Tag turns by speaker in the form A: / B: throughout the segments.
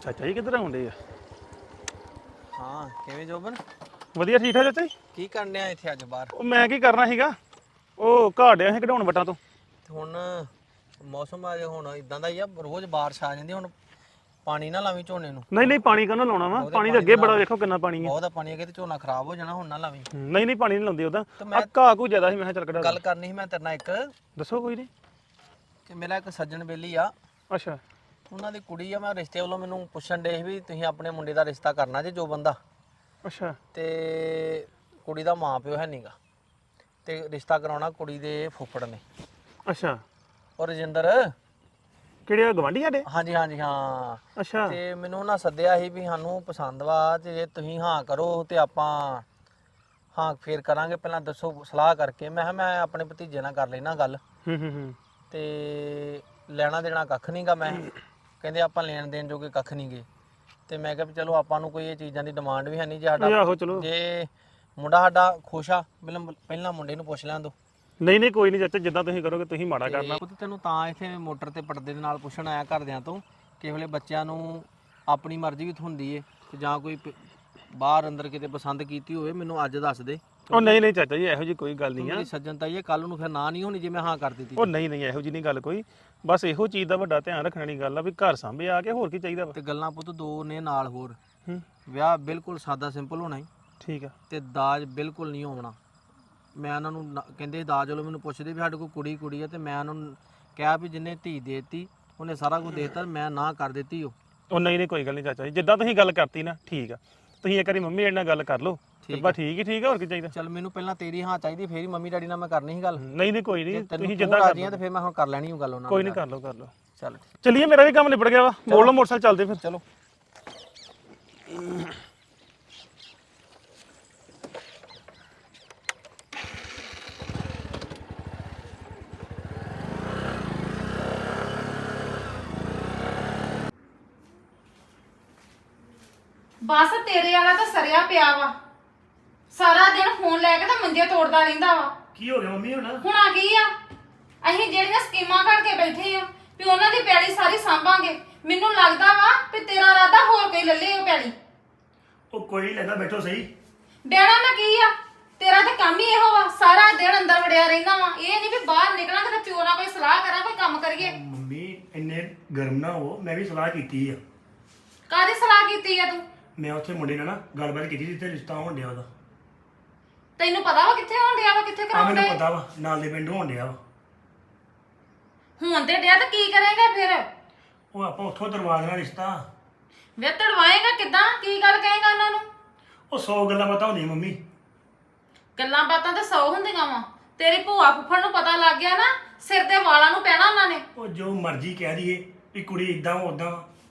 A: ਚਾਚਾ ਜੀ ਕਿੱਧਰ ਆਉਂਦੇ ਆ?
B: ਹਾਂ ਕਿਵੇਂ ਜੋਬਨ?
A: ਵਧੀਆ ਠੀਕ ਠਾਕ ਚਾਚਾ ਜੀ।
B: ਕੀ ਕਰਨ ਡਿਆ ਇੱਥੇ ਅੱਜ ਬਾਹਰ?
A: ਉਹ ਮੈਂ ਕੀ ਕਰਨਾ ਸੀਗਾ, ਉਹ ਘਾਹ ਡਿਆ ਸੀ ਕਢਾਉਣ ਵਟਾਂ ਤੋਂ।
B: ਤੇ ਹੁਣ ਮੌਸਮ ਅੱਜ ਹੁਣ ਇਦਾਂ ਦਾ ਹੀ ਆ, ਰੋਜ਼ ਬਾਰਿਸ਼ ਆ ਜਾਂਦੀ। ਹੁਣ ਪਾਣੀ ਨਾ ਲਾਵੀਂ ਝੋਨੇ ਨੂੰ।
A: ਨਹੀਂ ਨਹੀਂ ਪਾਣੀ ਕਾਹਨੂੰ ਲਾਉਣਾ ਵਾ,
B: ਉਹਦੇ
A: ਪਾਣੀ ਦੇ ਅੱਗੇ ਬੜਾ ਵੇਖੋ ਕਿੰਨਾ ਪਾਣੀ ਆ।
B: ਬਹੁਤ ਪਾਣੀ ਅੱਗੇ ਤੇ ਝੋਨਾ ਖਰਾਬ ਹੋ ਜਾਣਾ, ਹੁਣ ਨਾ ਲਾਵੀਂ।
A: ਨਹੀਂ ਨਹੀਂ ਪਾਣੀ ਨਹੀਂ ਲਾਉਂਦੇ ਉਹਦਾ,
B: ਤੇ
A: ਆ
B: ਮੈਂ
A: ਘਾਹ ਕੋ ਜ਼ਿਆਦਾ ਸੀ, ਮੈਂ ਕਿਹਾ ਚੱਲ ਕਢਾ
B: ਗੱਲ ਕਰਨੀ ਸੀ ਮੈਂ ਤੇਰੇ ਨਾਲ ਇੱਕ,
A: ਦੱਸੋ ਕੋਈ ਨਹੀਂ।
B: ਕਿ ਮੇਰਾ ਇੱਕ ਸੱਜਣ ਬੇਲੀ ਆ,
A: ਅੱਛਾ
B: ਉਹਨਾਂ ਦੀ ਕੁੜੀ ਆ। ਮੈਂ ਰਿਸ਼ਤੇ ਵੱਲੋਂ ਮੈਨੂੰ ਪੁੱਛਣ ਡੇ ਸੀ ਵੀ ਤੁਸੀਂ ਆਪਣੇ ਮੁੰਡੇ ਦਾ ਰਿਸ਼ਤਾ ਕਰਨਾ ਜੇ ਜੋ ਬੰਦਾ,
A: ਅੱਛਾ
B: ਤੇ ਕੁੜੀ ਦਾ ਮਾਂ ਪਿਓ ਹੈ ਨਹੀਂਗਾ, ਤੇ ਰਿਸ਼ਤਾ ਕਰਾਉਣਾ ਕੁੜੀ ਦੇ ਫੁੱਫੜ ਨੇ।
A: ਅੱਛਾ
B: ਔਰ ਰਜਿੰਦਰ
A: ਕਿਹੜੇ ਆ ਗਵਾਂਢੀ ਸਾਡੇ?
B: ਹਾਂਜੀ ਹਾਂਜੀ ਹਾਂ।
A: ਅੱਛਾ
B: ਤੇ ਮੈਨੂੰ ਉਹਨਾਂ ਸੱਦਿਆ ਸੀ ਵੀ ਸਾਨੂੰ ਪਸੰਦ ਵਾ, ਤੇ ਜੇ ਤੁਸੀਂ ਹਾਂ ਕਰੋ ਤੇ ਆਪਾਂ ਹਾਂ ਫੇਰ ਕਰਾਂਗੇ, ਪਹਿਲਾਂ ਦੱਸੋ ਸਲਾਹ ਕਰਕੇ। ਮੈਂ ਕਿਹਾ ਮੈਂ ਆਪਣੇ ਭਤੀਜੇ ਨਾਲ ਕਰ ਲੈਣਾ ਗੱਲ,
A: ਹੂੰ
B: ਤੇ ਲੈਣਾ ਦੇਣਾ ਕੱਖ ਨਹੀਂਗਾ। ਮੈਂ ਕਹਿੰਦੇ ਆਪਾਂ ਲੈਣ ਦੇਣ ਜੋਗੇ ਕੱਖ ਨਹੀਂਗੇ। ਤੇ ਮੈਂ ਕਿਹਾ ਵੀ ਚਲੋ ਆਪਾਂ ਨੂੰ ਕੋਈ ਇਹ ਚੀਜ਼ਾਂ ਦੀ ਡਿਮਾਂਡ ਵੀ ਹੈ ਨਹੀਂ। ਜੇ
A: ਇਹ
B: ਸਾਡਾ
A: ਆਹੋ ਚਲੋ।
B: ਜੇ ਮੁੰਡਾ ਸਾਡਾ ਖੁਸ਼ ਆ, ਪਹਿਲਾਂ ਮੁੰਡੇ ਨੂੰ ਪੁੱਛ ਲੈਣ ਦੋ।
A: ਨਹੀਂ ਨਹੀਂ ਕੋਈ ਨਹੀਂ ਚਾਚਾ, ਜਿੱਦਾਂ ਤੁਸੀਂ ਕਰੋਗੇ, ਤੁਸੀਂ ਮਾੜਾ ਕਰਨਾ।
B: ਉਹ ਤੇ ਤੈਨੂੰ ਤਾਂ ਇੱਥੇ ਮੋਟਰ ਤੇ ਪਰਦੇ ਦੇ ਨਾਲ ਪੁੱਛਣ ਆਇਆ ਘਰਦਿਆਂ ਤੋਂ, ਕਿਸੇ ਵੇਲੇ ਬੱਚਿਆਂ ਨੂੰ ਆਪਣੀ ਮਰਜ਼ੀ ਵੀ ਹੁੰਦੀ ਏ, ਤੇ ਜਾਂ ਕੋਈ ਬਾਹਰ ਅੰਦਰ ਕਿਤੇ ਪਸੰਦ ਕੀਤੀ ਹੋਵੇ ਮੈਨੂੰ ਅੱਜ ਦੱਸ ਦੇ।
A: ਉਹ ਨਹੀਂ ਨਹੀਂ ਚਾਚਾ ਜੀ, ਇਹੋ ਜੀ ਕੋਈ ਗੱਲ ਨਹੀਂ ਆ।
B: ਮੇਰੀ ਸੱਜਣ ਤਾਂ ਇਹ ਕੱਲ ਨੂੰ ਫਿਰ ਨਾ ਨਹੀਂ ਹੋਣੀ ਜੇ ਮੈਂ ਹਾਂ ਕਰ ਦਿੱਤੀ।
A: ਉਹ ਨਹੀਂ ਨਹੀਂ ਇਹੋ ਜੀ ਨਹੀਂ ਗੱਲ ਕੋਈ, ਬਸ ਇਹੋ ਚੀਜ਼ ਦਾ ਵੱਡਾ ਧਿਆਨ ਰੱਖਣ ਵਾਲੀ ਗੱਲ ਆ ਵੀ ਘਰ ਸਾਂਭੇ ਆ ਕੇ, ਹੋਰ ਕੀ ਚਾਹੀਦਾ ਵਾ।
B: ਤੇ ਗੱਲਾਂ ਪੁੱਤ ਦੋ ਨੇ ਨਾਲ ਹੋਰ।
A: ਹੂੰ
B: ਵਿਆਹ ਬਿਲਕੁਲ ਸਾਦਾ ਸਿੰਪਲ ਹੋਣਾ ਹੀ,
A: ਠੀਕ ਆ।
B: ਤੇ ਦਾਜ ਬਿਲਕੁਲ ਨਹੀਂ ਹੋਣਾ। ਮੈਂ ਉਹਨਾਂ ਨੂੰ ਕਹਿੰਦੇ ਦਾਜ ਵੱਲੋਂ ਮੈਨੂੰ ਪੁੱਛਦੇ ਵੀ ਸਾਡੇ ਕੋਲ ਕੁੜੀ ਆ, ਤੇ ਮੈਂ ਉਹਨਾਂ ਨੂੰ ਕਿਹਾ ਵੀ ਜਿੰਨੇ ਧੀ ਦੇਤੀ ਉਹਨੇ ਸਾਰਾ ਕੁਝ ਦੇਤਾ, ਮੈਂ ਨਾ ਕਰ ਦਿੱਤੀ।
A: ਉਹ ਨਹੀਂ ਨਹੀਂ ਕੋਈ ਗੱਲ ਨਹੀਂ ਚਾਚਾ ਜੀ, ਜਿੱਦਾਂ ਤੁਸੀਂ ਗੱਲ ਕਰਤੀ ਨਾ ਠੀਕ ਆ। ਤੁਸੀਂ ਇੱਕ ਵਾਰੀ ਮੰਮੀ ਨਾਲ ਗੱਲ ਕਰ ਲਓ, ਤੇ ਬਸ ਠੀਕ ਹੀ ਠੀਕ ਆ, ਹੋਰ ਕੀ ਚਾਹੀਦਾ।
B: ਚੱਲ ਮੈਨੂੰ ਪਹਿਲਾਂ ਤੇਰੀ ਹਾਂ ਚਾਹੀਦੀ, ਫੇਰ ਹੀ ਮੰਮੀ ਡੈਡੀ ਨਾਲ ਮੈਂ ਕਰਨੀ ਸੀ ਗੱਲ।
A: ਨਹੀਂ ਨਹੀਂ ਕੋਈ ਨਹੀਂ, ਤੁਸੀਂ
B: ਜਿੱਦਾਂ
A: ਜਿੱਦਾਂ
B: ਰਾਜੀ ਆ ਤੇ ਫਿਰ ਮੈਂ ਹੁਣ ਕਰ ਲੈਣੀ ਉਹ ਗੱਲ ਉਹਨਾਂ ਨਾਲ।
A: ਕੋਈ ਨਹੀਂ, ਕਰ ਲਓ।
B: ਚੱਲ
A: ਚਲਿਏ, ਮੇਰਾ ਵੀ ਕੰਮ ਨਿਬੜ ਗਿਆ ਵਾ, ਮੋੜ ਲਓ ਮੋਟਰਸਾਈਕਲ, ਚੱਲਦੇ ਫਿਰ।
B: ਚਲੋ।
C: ਬਸ ਤੇਰੇ ਵਾਲਾ ਤਾਂ ਸਰਿਆ ਪਿਆ ਵਾ, ਸਾਰਾ ਦਿਨ ਫੋਨ ਲੈ ਕੇ ਤਾਂ ਮੰਜੇ ਤੋੜਦਾ ਰਹਿੰਦਾ ਵਾ।
A: ਕੀ ਹੋ ਗਿਆ ਮੰਮੀ ਹੁਣ?
C: ਹੁਣ ਆ ਗਈ ਆ, ਅਸੀਂ ਜਿਹੜੀਆਂ ਸਕੀਮਾਂ ਘੜ ਕੇ ਬੈਠੇ ਆ ਵੀ ਉਹਨਾਂ ਦੀ ਪੈਲੀ ਸਾਰੀ ਸਾਂਭਾਂਗੇ, ਮੈਨੂੰ ਲੱਗਦਾ ਵਾ ਵੀ ਤੇਰਾ ਇਰਾਦਾ ਹੋਰ ਕੋਈ ਲੱਲੇ ਉਹ ਪੈਲੀ।
A: ਉਹ ਕੋਈ ਨਹੀਂ ਲੈਂਦਾ, ਬੈਠੋ ਸਹੀ।
C: ਬਹਿਣਾ ਮੈਂ ਕੀ ਆ, ਤੇਰਾ ਤਾਂ ਕੰਮ ਹੀ ਇਹੋ ਵਾ, ਸਾਰਾ ਦਿਨ ਅੰਦਰ ਵੜਿਆ ਰਹਿੰਦਾ ਵਾ। ਇਹ ਨਹੀਂ ਵੀ ਬਾਹਰ ਨਿਕਲਾਂਗੇ ਤਾਂ ਪਿਓ ਨਾਲ ਕੋਈ ਸਲਾਹ ਕਰਾਂ, ਕੋਈ ਕੰਮ ਕਰੀਏ।
D: ਮੰਮੀ ਇੰਨੇ ਗਰਮ ਨਾ ਹੋ, ਮੈਂ ਵੀ ਸਲਾਹ ਕੀਤੀ ਆ।
C: ਕਾਹਦੀ ਸਲਾਹ ਕੀਤੀ ਆ ਤੂੰ?
D: ਮੈਂ ਉੱਥੇ ਮੁੰਡੇ ਨਾਲ ਨਾ ਗੱਲਬਾਤ ਕੀਤੀ ਜਿੱਥੇ ਰਿਸ਼ਤਾ ਹੋਣ ਡਿਆ ਉਹਦਾ।
C: ਤੈਨੂੰ ਪਤਾ ਵਾ ਕਿੱਥੇ ਹੋਣ ਡਿਆ ਵਾ, ਕਿੱਥੇ
D: ਆ
C: ਕਰਾਉਣ
D: ਮੈਨੂੰ
C: ਡਿਆ?
D: ਪਤਾ ਵਾ, ਨਾਲ ਦੇ ਪਿੰਡ ਹੋਣ ਡਿਆ ਵਾ।
C: ਹੁਣ ਤੇ ਡਿਆ ਤਾਂ ਕੀ ਕਰੇਗਾ ਫਿਰ?
D: ਉਹ ਆਪਾਂ ਉੱਥੋਂ ਦਰਵਾ ਦੇਣਾ ਰਿਸ਼ਤਾ।
C: ਵੇ ਤੜਵਾਏਗਾ ਕਿੱਦਾਂ, ਕੀ ਗੱਲ ਕਹੇਗਾ ਉਹਨਾਂ ਨੂੰ?
D: ਉਹ 100 ਗੱਲਾਂ ਪਤਾ ਹੁੰਦੀਆਂ ਮੰਮੀ।
C: ਗੱਲਾਂ ਬਾਤਾਂ ਤਾਂ 100 ਹੁੰਦੀਆਂ ਵਾ, ਤੇਰੀ ਭੂਆ ਫੁੱਫੜ ਨੂੰ ਪਤਾ ਲੱਗ ਗਿਆ ਨਾ, ਸਿਰ ਦੇ ਵਾਲਾਂ ਨੂੰ ਪੈਣਾ ਉਹਨਾਂ ਨੇ।
D: ਉਹ ਜੋ ਮਰਜ਼ੀ ਕਹਿ ਦਈਏ ਵੀ ਕੁੜੀ ਇਦਾਂ ਉਦਾਂ,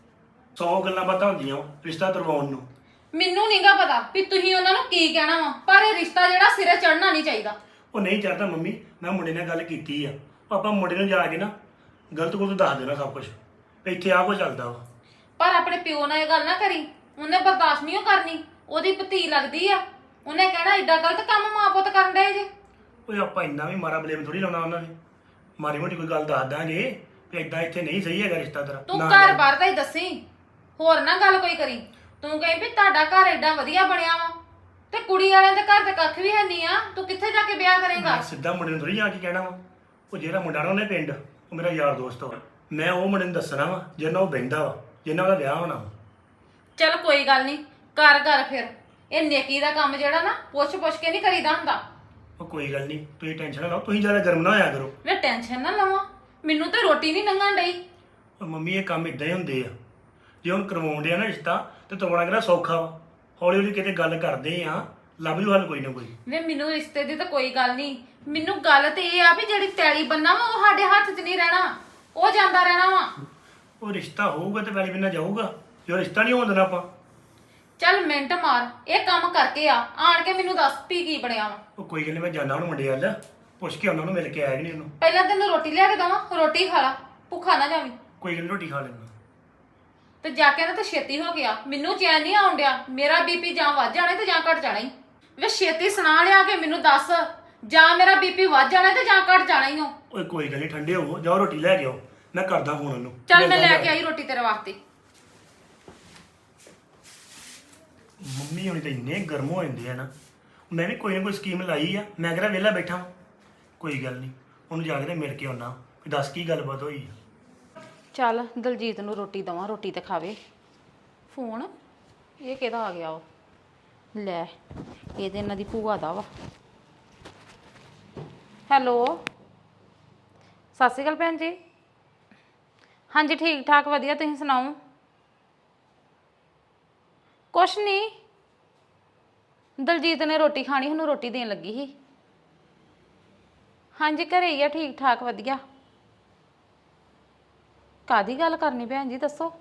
D: 100 ਗੱਲਾਂ ਪਤਾ ਹੁੰਦੀਆਂ ਵਾ ਰਿਸ਼ਤਾ ਕਰਵਾਉਣ ਨੂੰ।
C: ਮੈਨੂੰ ਨਹੀਂਗਾ ਪਤਾ ਵੀ ਤੁਸੀਂ ਉਹਨਾਂ ਨੂੰ ਕੀ ਕਹਿਣਾ ਵਾ, ਪਰ ਇਹ ਰਿਸ਼ਤਾ ਜਿਹੜਾ ਸਿਰੇ ਚੜਨਾ ਨਹੀਂ ਚਾਹੀਦਾ।
D: ਉਹ ਨਹੀਂ ਚਾਹਤਾ ਮੰਮੀ, ਮੈਂ ਮੁੰਡੇ ਨਾਲ ਗੱਲ ਕੀਤੀ ਆ। ਉਹ ਆਪਾਂ ਮੁੰਡੇ ਨੂੰ ਜਾ ਕੇ ਨਾ ਗਲਤ ਗੁਲਤ ਦੱਸ ਦੇਣਾ ਸਭ ਕੁਝ, ਇੱਥੇ ਆਹ ਕੁਝ ਚੱਲਦਾ ਵਾ।
C: ਪਰ ਆਪਣੇ ਪਿਓ ਨਾਲ ਇਹ ਗੱਲ ਨਾ ਕਰੀ, ਉਹਨੇ ਬਰਦਾਸ਼ਤ ਨਹੀਂ ਕਰਨੀ, ਉਹਦੀ ਭਤੀ ਲੱਗਦੀ ਆ, ਉਹਨੇ ਕਹਿਣਾ ਏਡਾ ਗਲਤ ਕੰਮ ਮਾਂ ਪੁੱਤ ਕਰਨ ਡਏ ਜੇ।
D: ਓਏ ਆਪਾਂ ਇੰਨਾ ਵੀ ਮਾਰਾ ਬਲੇਮ ਥੋੜੀ ਲਾਉਣਾ ਉਹਨਾਂ ਨੇ। ਮਾੜੀ ਮੋਟੀ ਕੋਈ ਗੱਲ ਦੱਸ ਦਾਂਗੇ ਵੀ ਇਦਾਂ ਇੱਥੇ ਨਹੀਂ ਸਹੀ ਹੈਗਾ ਰਿਸ਼ਤਾ ਤੇਰਾ।
C: ਤੂੰ ਘਰ ਬਾਹਰ ਦਾ ਹੀ ਦੱਸੀ, ਹੋਰ ਨਾ ਗੱਲ ਕੋਈ ਕਰੀ। ਤੂੰ ਕਹੀਂ ਵੀ ਤੁਹਾਡਾ ਘਰ ਏਡਾ ਵਧੀਆ ਬਣਿਆ ਵਾ, ਤੇ ਕੁੜੀ ਵਾਲਿਆਂ ਦੇ ਘਰ ਤੇ ਕੱਖ ਵੀ ਹੈ ਨਹੀਂ ਆ, ਤੂੰ ਕਿੱਥੇ ਜਾ ਕੇ ਵਿਆਹ ਕਰੇਗਾ?
D: ਮੈਂ ਸਿੱਧਾ ਮੁੰਡੇ ਨੂੰ ਥੋੜੀ ਜਾ ਕੇ ਕਹਿਣਾ ਵਾ। ਉਹ ਜਿਹੜਾ ਮੁੰਡਾ ਨਾ ਉਹਨੇ ਪਿੰਡ, ਉਹ ਮੇਰਾ ਯਾਰ ਦੋਸਤ ਵਾ। ਮੈਂ ਉਹ ਮੁੰਡੇ ਨੂੰ ਦੱਸਣਾ ਵਾ ਜਿਹਨਾਂ ਉਹ ਬਹਿੰਦਾ ਵਾ, ਜਿਹਨਾਂ ਉਹਦਾ ਵਿਆਹ ਹੋਣਾ ਵਾ।
C: ਚੱਲ ਕੋਈ ਗੱਲ ਨਹੀਂ, ਕਰ ਫਿਰ। ਇਹ ਨੇਕੀ ਦਾ ਕੰਮ ਜਿਹੜਾ ਨਾ ਪੁੱਛ ਕੇ ਨਹੀਂ ਕਰੀਦਾ ਹੁੰਦਾ।
D: ਉਹ ਕੋਈ ਗੱਲ ਨਹੀਂ, ਤੁਸੀਂ ਟੈਨਸ਼ਨ ਨਾ ਲਓ, ਤੁਸੀਂ ਜ਼ਿਆਦਾ ਗਰਮ ਨਾ ਹੋਇਆ ਕਰੋ।
C: ਮੈਂ ਟੈਨਸ਼ਨ ਨਾ ਲਵਾਂ, ਮੈਨੂੰ ਤੇ ਰੋਟੀ ਨਹੀਂ ਲੰਘਣ ਡਈ।
D: ਉਹ ਮੰਮੀ ਇਹ ਕੰਮ ਇਦਾਂ ਹੀ ਹੁੰਦੇ ਆ। ਜੇ ਹੁਣ ਕਰਵਾਉਂਦੇ ਆ ਨਾ ਰਿਸ਼ਤਾ ਤੇ ਤੋੜਨਾ ਕਿਹੜਾ ਸੌਖਾ ਵਾ। ਹੌਲੀ ਹੌਲੀ ਕਿਤੇ ਗੱਲ ਕਰਦੇ ਆ, ਲੱਭ ਜੂ ਹੱਲ ਕੋਈ ਨਾ ਕੋਈ।
C: ਵੇ ਮੈਨੂੰ ਰਿਸ਼ਤੇ ਦੀ ਤਾਂ ਕੋਈ ਗੱਲ ਨਹੀਂ, ਮੈਨੂੰ ਗੱਲ ਤੇ ਇਹ ਆ ਵੀ ਜਿਹੜੀ ਪੈਲੀ ਬੰਨਾ ਵਾ ਉਹ ਸਾਡੇ ਹੱਥ 'ਚ ਨਹੀਂ ਰਹਿਣਾ, ਉਹ ਜਾਂਦਾ ਰਹਿਣਾ ਵਾ।
D: ਉਹ ਰਿਸ਼ਤਾ ਹੋਊਗਾ ਤੇ ਵੈਲੀ ਬਿਨਾ ਜਾਊਗਾ, ਜੋ ਰਿਸ਼ਤਾ ਨਹੀਂ ਹੋਣ ਦੇਣਾ ਆਪਾਂ।
C: ਚੱਲ ਮਿੰਟ ਮਾਰ, ਇਹ ਕੰਮ ਕਰਕੇ ਆਣ ਕੇ ਮੈਨੂੰ ਦੱਸ ਵੀ ਕੀ ਬਣਿਆ ਵਾ।
D: ਉਹ ਕੋਈ ਗੱਲ ਨਹੀਂ, ਮੈਂ ਜਾਣਾ ਹੁਣ ਮੁੰਡੇ ਵੱਲ, ਪੁੱਛ ਕੇ ਉਹਨਾਂ ਨੂੰ ਮਿਲ ਕੇ ਆਇਆ ਕਿ ਨਹੀਂ ਉਹਨੂੰ।
C: ਪਹਿਲਾਂ ਤੈਨੂੰ ਰੋਟੀ ਲਿਆ ਕੇ ਦਵਾਂ, ਰੋਟੀ ਖਾ ਲਾ, ਭੁੱਖਾ ਨਾ ਜਾਵੀਂ।
D: ਕੋਈ ਗੱਲ ਨੀ, ਰੋਟੀ ਖਾ ਲੈਣਾ।
C: ਤੇ ਜਾ ਕੇ ਨਾ ਤੇ ਛੇਤੀ ਹੋ ਗਿਆ, ਮੈਨੂੰ ਚੈਨ ਨਹੀਂ ਆਉਣ ਡਿਆ। ਮੇਰਾ ਬੀਪੀ ਜਾਂ ਵੱਧ ਜਾਣਾ ਤੇ ਜਾਂ ਘਟ ਜਾਣਾ ਹੀ। ਵੇ ਛੇਤੀ ਸੁਣਾ ਲਿਆ ਕੇ ਮੈਨੂੰ ਦੱਸ, ਜਾਂ ਮੇਰਾ ਬੀਪੀ ਵੱਧ ਜਾਣਾ ਤੇ ਜਾਂ ਘਟ ਜਾਣਾ ਹੀ ਹੋ।
D: ਓਏ ਕੋਈ ਗੱਲ ਨਹੀਂ, ਠੰਡੇ ਹੋਵੋ, ਜਾਓ ਰੋਟੀ ਲੈ ਕੇ ਆਓ, ਮੈਂ ਕਰਦਾ ਫੋਨ ਉਹਨੂੰ।
C: ਚੱਲ ਮੈਂ ਲੈ ਕੇ ਆਈ ਰੋਟੀ ਤੇਰੇ ਵਾਸਤੇ।
D: ਮੰਮੀ ਹੁਣੀ ਤਾਂ ਇੰਨੇ ਗਰਮ ਹੋ ਜਾਂਦੇ ਆ ਨਾ ਮੈਂ ਵੀ ਕੋਈ ਨਾ ਕੋਈ ਸਕੀਮ ਲਾਈ ਆ ਮੈਂ ਕਿਹੜਾ ਵਿਹਲਾ ਬੈਠਾ ਵਾਂ। ਕੋਈ ਗੱਲ ਨਹੀਂ ਉਹਨੂੰ ਜਾ ਕੇ ਤੇ ਮਿਲ ਕੇ ਆਉਣਾ ਵੀ ਦੱਸ ਕੀ ਗੱਲਬਾਤ ਹੋਈ ਆ।
C: ਚੱਲ ਦਲਜੀਤ ਨੂੰ ਰੋਟੀ ਦਵਾਂ, ਰੋਟੀ ਤੇ ਖਾਵੇ। ਫੋਨ ਇਹ ਕਿਹਦਾ ਆ ਗਿਆ ਵਾ? ਲੈ ਇਹ ਤੇ ਇਹਨਾਂ ਦੀ ਭੂਆ ਦਾ ਵਾ। ਹੈਲੋ, ਸਤਿ ਸ਼੍ਰੀ ਅਕਾਲ ਭੈਣ ਜੀ। ਹਾਂਜੀ ਠੀਕ ਠਾਕ ਵਧੀਆ, ਤੁਸੀਂ ਸੁਣਾਓ? ਕੁਛ ਨਹੀਂ, ਦਲਜੀਤ ਨੇ ਰੋਟੀ ਖਾਣੀ, ਉਹਨੂੰ ਰੋਟੀ ਦੇਣ ਲੱਗੀ ਸੀ। ਹਾਂਜੀ ਘਰੇ ਹੀ ਆ, ਠੀਕ ਠਾਕ ਵਧੀਆ। ਕਾਦੀ ਗੱਲ ਕਰਨੀ ਭੈਣ ਜੀ ਦੱਸੋ?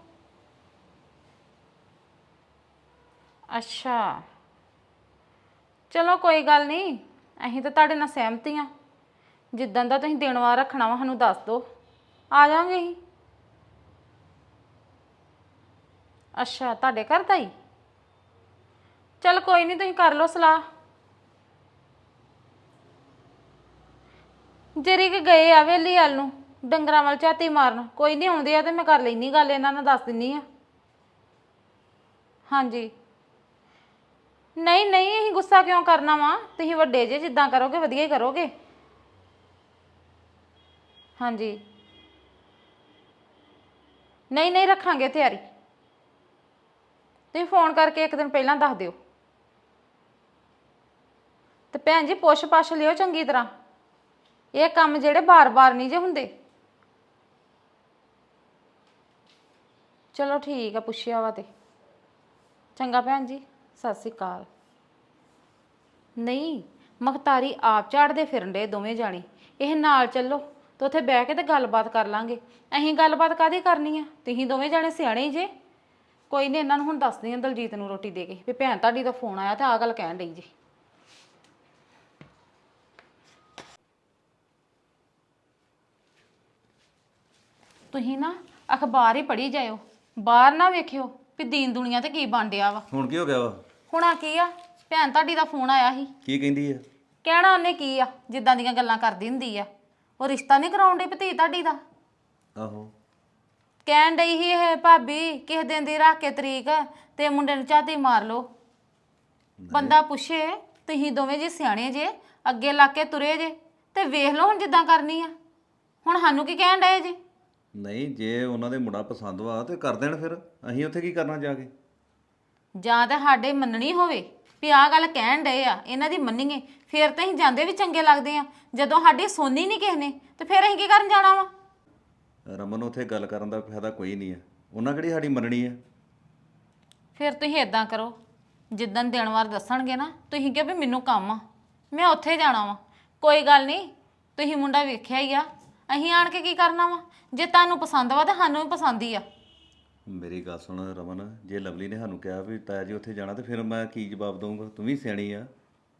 C: ਅੱਛਾ ਚਲੋ ਕੋਈ ਗੱਲ ਨਹੀਂ, ਅਸੀਂ ਤਾਂ ਤੁਹਾਡੇ ਨਾਲ ਸਹਿਮਤ ਹੀ ਆ। ਜਿੱਦਾਂ ਦਾ ਤੁਸੀਂ ਦਿਨ ਵਾਰ ਰੱਖਣਾ ਵਾ ਸਾਨੂੰ ਦੱਸ ਦਿਓ, ਆ ਜਾਵਾਂਗੇ ਅਸੀਂ। ਅੱਛਾ ਤੁਹਾਡੇ ਘਰ ਦਾ ਹੀ? ਚਲ ਕੋਈ ਨਹੀਂ, ਤੁਸੀਂ ਕਰ ਲਓ ਸਲਾਹ। ਜਰੀ ਕਿ ਗਏ ਆ ਵੇਲੀ ਵੱਲ ਨੂੰ ਡੰਗਰਾਂ ਵੱਲ ਝਾਤੀ ਮਾਰਨ। ਕੋਈ ਨਹੀਂ ਆਉਂਦੇ ਆ ਤੇ ਮੈਂ ਕਰ ਲੈਣੀ ਗੱਲ, ਇਹਨਾਂ ਨਾਲ ਦੱਸ ਦਿੰਨੀ ਆ। ਹਾਂਜੀ ਨਹੀਂ ਨਹੀਂ, ਅਸੀਂ ਗੁੱਸਾ ਕਿਉਂ ਕਰਨਾ ਵਾ? ਤੁਸੀਂ ਵੱਡੇ ਜੇ, ਜਿੱਦਾਂ ਕਰੋਗੇ ਵਧੀਆ ਹੀ ਕਰੋਗੇ। ਹਾਂਜੀ ਨਹੀਂ ਨਹੀਂ, ਰੱਖਾਂਗੇ ਤਿਆਰੀ। ਤੁਸੀਂ ਫੋਨ ਕਰਕੇ ਇੱਕ ਦਿਨ ਪਹਿਲਾਂ ਦੱਸ ਦਿਓ। ਤੇ ਭੈਣ ਜੀ ਪੁੱਛ ਪਾਛ ਲਿਓ ਚੰਗੀ ਤਰ੍ਹਾਂ, ਇਹ ਕੰਮ ਜਿਹੜੇ ਬਾਰ-ਬਾਰ ਨਹੀਂ ਜੇ ਹੁੰਦੇ। ਚਲੋ ਠੀਕ ਆ, ਪੁੱਛਿਆ ਵਾ ਤੇ ਚੰਗਾ ਭੈਣ ਜੀ, ਸਤਿ ਸ਼੍ਰੀ ਅਕਾਲ। ਨਹੀਂ ਮਖਤਾਰੀ ਆਪ ਝਾੜਦੇ ਫਿਰਨ ਦੇ ਦੋਵੇਂ ਜਾਣੇ, ਇਹ ਨਾਲ ਚੱਲੋ ਤੇ ਉੱਥੇ ਬਹਿ ਕੇ ਤੇ ਗੱਲਬਾਤ ਕਰ ਲਾਂਗੇ। ਅਸੀਂ ਗੱਲਬਾਤ ਕਾਹਦੀ ਕਰਨੀ ਆ? ਤੁਸੀਂ ਦੋਵੇਂ ਜਾਣੇ ਸਿਆਣੇ ਹੀ ਜੇ। ਕੋਈ ਨਹੀਂ, ਇਹਨਾਂ ਨੂੰ ਹੁਣ ਦੱਸਦੀ ਆ ਦਲਜੀਤ ਨੂੰ ਰੋਟੀ ਦੇ ਕੇ ਵੀ ਭੈਣ ਤੁਹਾਡੀ ਦਾ ਫੋਨ ਆਇਆ ਤੇ ਆਹ ਗੱਲ ਕਹਿਣ ਡਈ ਜੀ। ਤੁਸੀਂ ਨਾ ਅਖਬਾਰ ਹੀ ਪੜ੍ਹੀ ਜਾਇਓ, ਬਾਹਰ ਨਾ ਵੇਖਿਓ ਵੀ ਦੀਨ ਦੁਨੀਆ ਤੇ ਕੀ ਬਣ ਡਿਆ ਵਾ।
E: ਹੁਣ ਕੀ ਹੋ ਗਿਆ ਵਾ?
C: ਹੁਣਾ ਕੀ ਆ, ਭੈਣ ਤੁਹਾਡੀ ਦਾ ਫੋਨ ਆਇਆ ਸੀ।
E: ਕੀ ਕਹਿੰਦੀ ਆ?
C: ਕਹਿਣਾ ਉਹਨੇ ਕੀ ਆ, ਜਿੱਦਾਂ ਦੀਆਂ ਗੱਲਾਂ ਕਰਦੀ ਹੁੰਦੀ ਆ। ਉਹ ਰਿਸ਼ਤਾ ਨਹੀਂ ਕਰਾਉਣ ਡਈ ਭਤੀ ਤੁਹਾਡੀ ਦਾ।
E: ਆਹੋ
C: ਕਹਿਣ ਡਈ ਸੀ ਇਹ ਭਾਬੀ ਕਿਸੇ ਦਿਨ ਦੀ ਰੱਖ ਕੇ ਤਰੀਕ ਤੇ ਮੁੰਡੇ ਨੂੰ ਝਾਤੀ ਮਾਰ ਲਓ। ਬੰਦਾ ਪੁੱਛੇ, ਤੁਸੀਂ ਦੋਵੇਂ ਜੀ ਸਿਆਣੇ ਜੇ, ਅੱਗੇ ਲਾ ਕੇ ਤੁਰੇ ਜੇ ਤੇ ਵੇਖ ਲਓ ਹੁਣ ਜਿੱਦਾਂ ਕਰਨੀ ਆ। ਹੁਣ ਸਾਨੂੰ ਕੀ ਕਹਿਣ ਡਏ ਜੇ?
E: ਨਹੀਂ, ਜੇ ਉਹਨਾਂ ਦੇ ਮੁੰਡਾ ਪਸੰਦ ਵਾ ਤੇ ਕਰ ਦੇਣ, ਫਿਰ ਅਸੀਂ ਉੱਥੇ ਕੀ ਕਰਨਾ ਜਾ ਕੇ?
C: ਜਾਂ ਤਾਂ ਸਾਡੇ ਮੰਨਣੀ ਹੋਵੇ ਵੀ ਆਹ ਗੱਲ ਕਹਿਣ ਡਏ ਆ, ਇਹਨਾਂ ਦੀ ਮੰਨੀਏ, ਫਿਰ ਤਾਂ ਅਸੀਂ ਜਾਂਦੇ ਵੀ ਚੰਗੇ ਲੱਗਦੇ ਆ। ਜਦੋਂ ਸਾਡੀ ਸੁਣਨੀ ਨਹੀਂ ਕਿਸੇ ਨੇ ਤੇ ਫਿਰ ਅਸੀਂ ਕੀ ਕਰਨ ਜਾਣਾ ਵਾ?
E: ਰਮਨ, ਉੱਥੇ ਗੱਲ ਕਰਨ ਦਾ ਫਾਇਦਾ ਕੋਈ ਨਹੀਂ ਆ, ਉਹਨਾਂ ਕਿਹੜੀ ਸਾਡੀ ਮੰਨਣੀ ਆ।
C: ਫਿਰ ਤੁਸੀਂ ਇਦਾਂ ਕਰੋ, ਜਿੱਦਣ ਦਿਨ ਵਾਰ ਦੱਸਣਗੇ ਨਾ, ਤੁਸੀਂ ਕਿਹਾ ਵੀ ਮੈਨੂੰ ਕੰਮ ਆ, ਮੈਂ ਉੱਥੇ ਜਾਣਾ ਵਾ। ਕੋਈ ਗੱਲ ਨਹੀਂ, ਤੁਸੀਂ ਮੁੰਡਾ ਵੇਖਿਆ ਹੀ ਆ, ਅਸੀਂ ਆਣ ਕੇ ਕੀ ਕਰਨਾ ਵਾ? ਜੇ ਤੁਹਾਨੂੰ ਪਸੰਦ ਵਾ ਤਾਂ ਸਾਨੂੰ ਵੀ ਪਸੰਦ ਹੀ ਆ।
E: ਮੇਰੀ ਗੱਲ ਸੁਣ ਰਮਨ, ਜੇ ਲਵਲੀ ਨੇ ਸਾਨੂੰ ਕਿਹਾ ਵੀ ਤਾਇਆ ਜੀ ਉੱਥੇ ਜਾਣਾ ਤੇ ਫਿਰ ਮੈਂ ਕੀ ਜਵਾਬ ਦਊਂਗਾ? ਤੂੰ ਵੀ ਸਿਆਣੀ ਆ।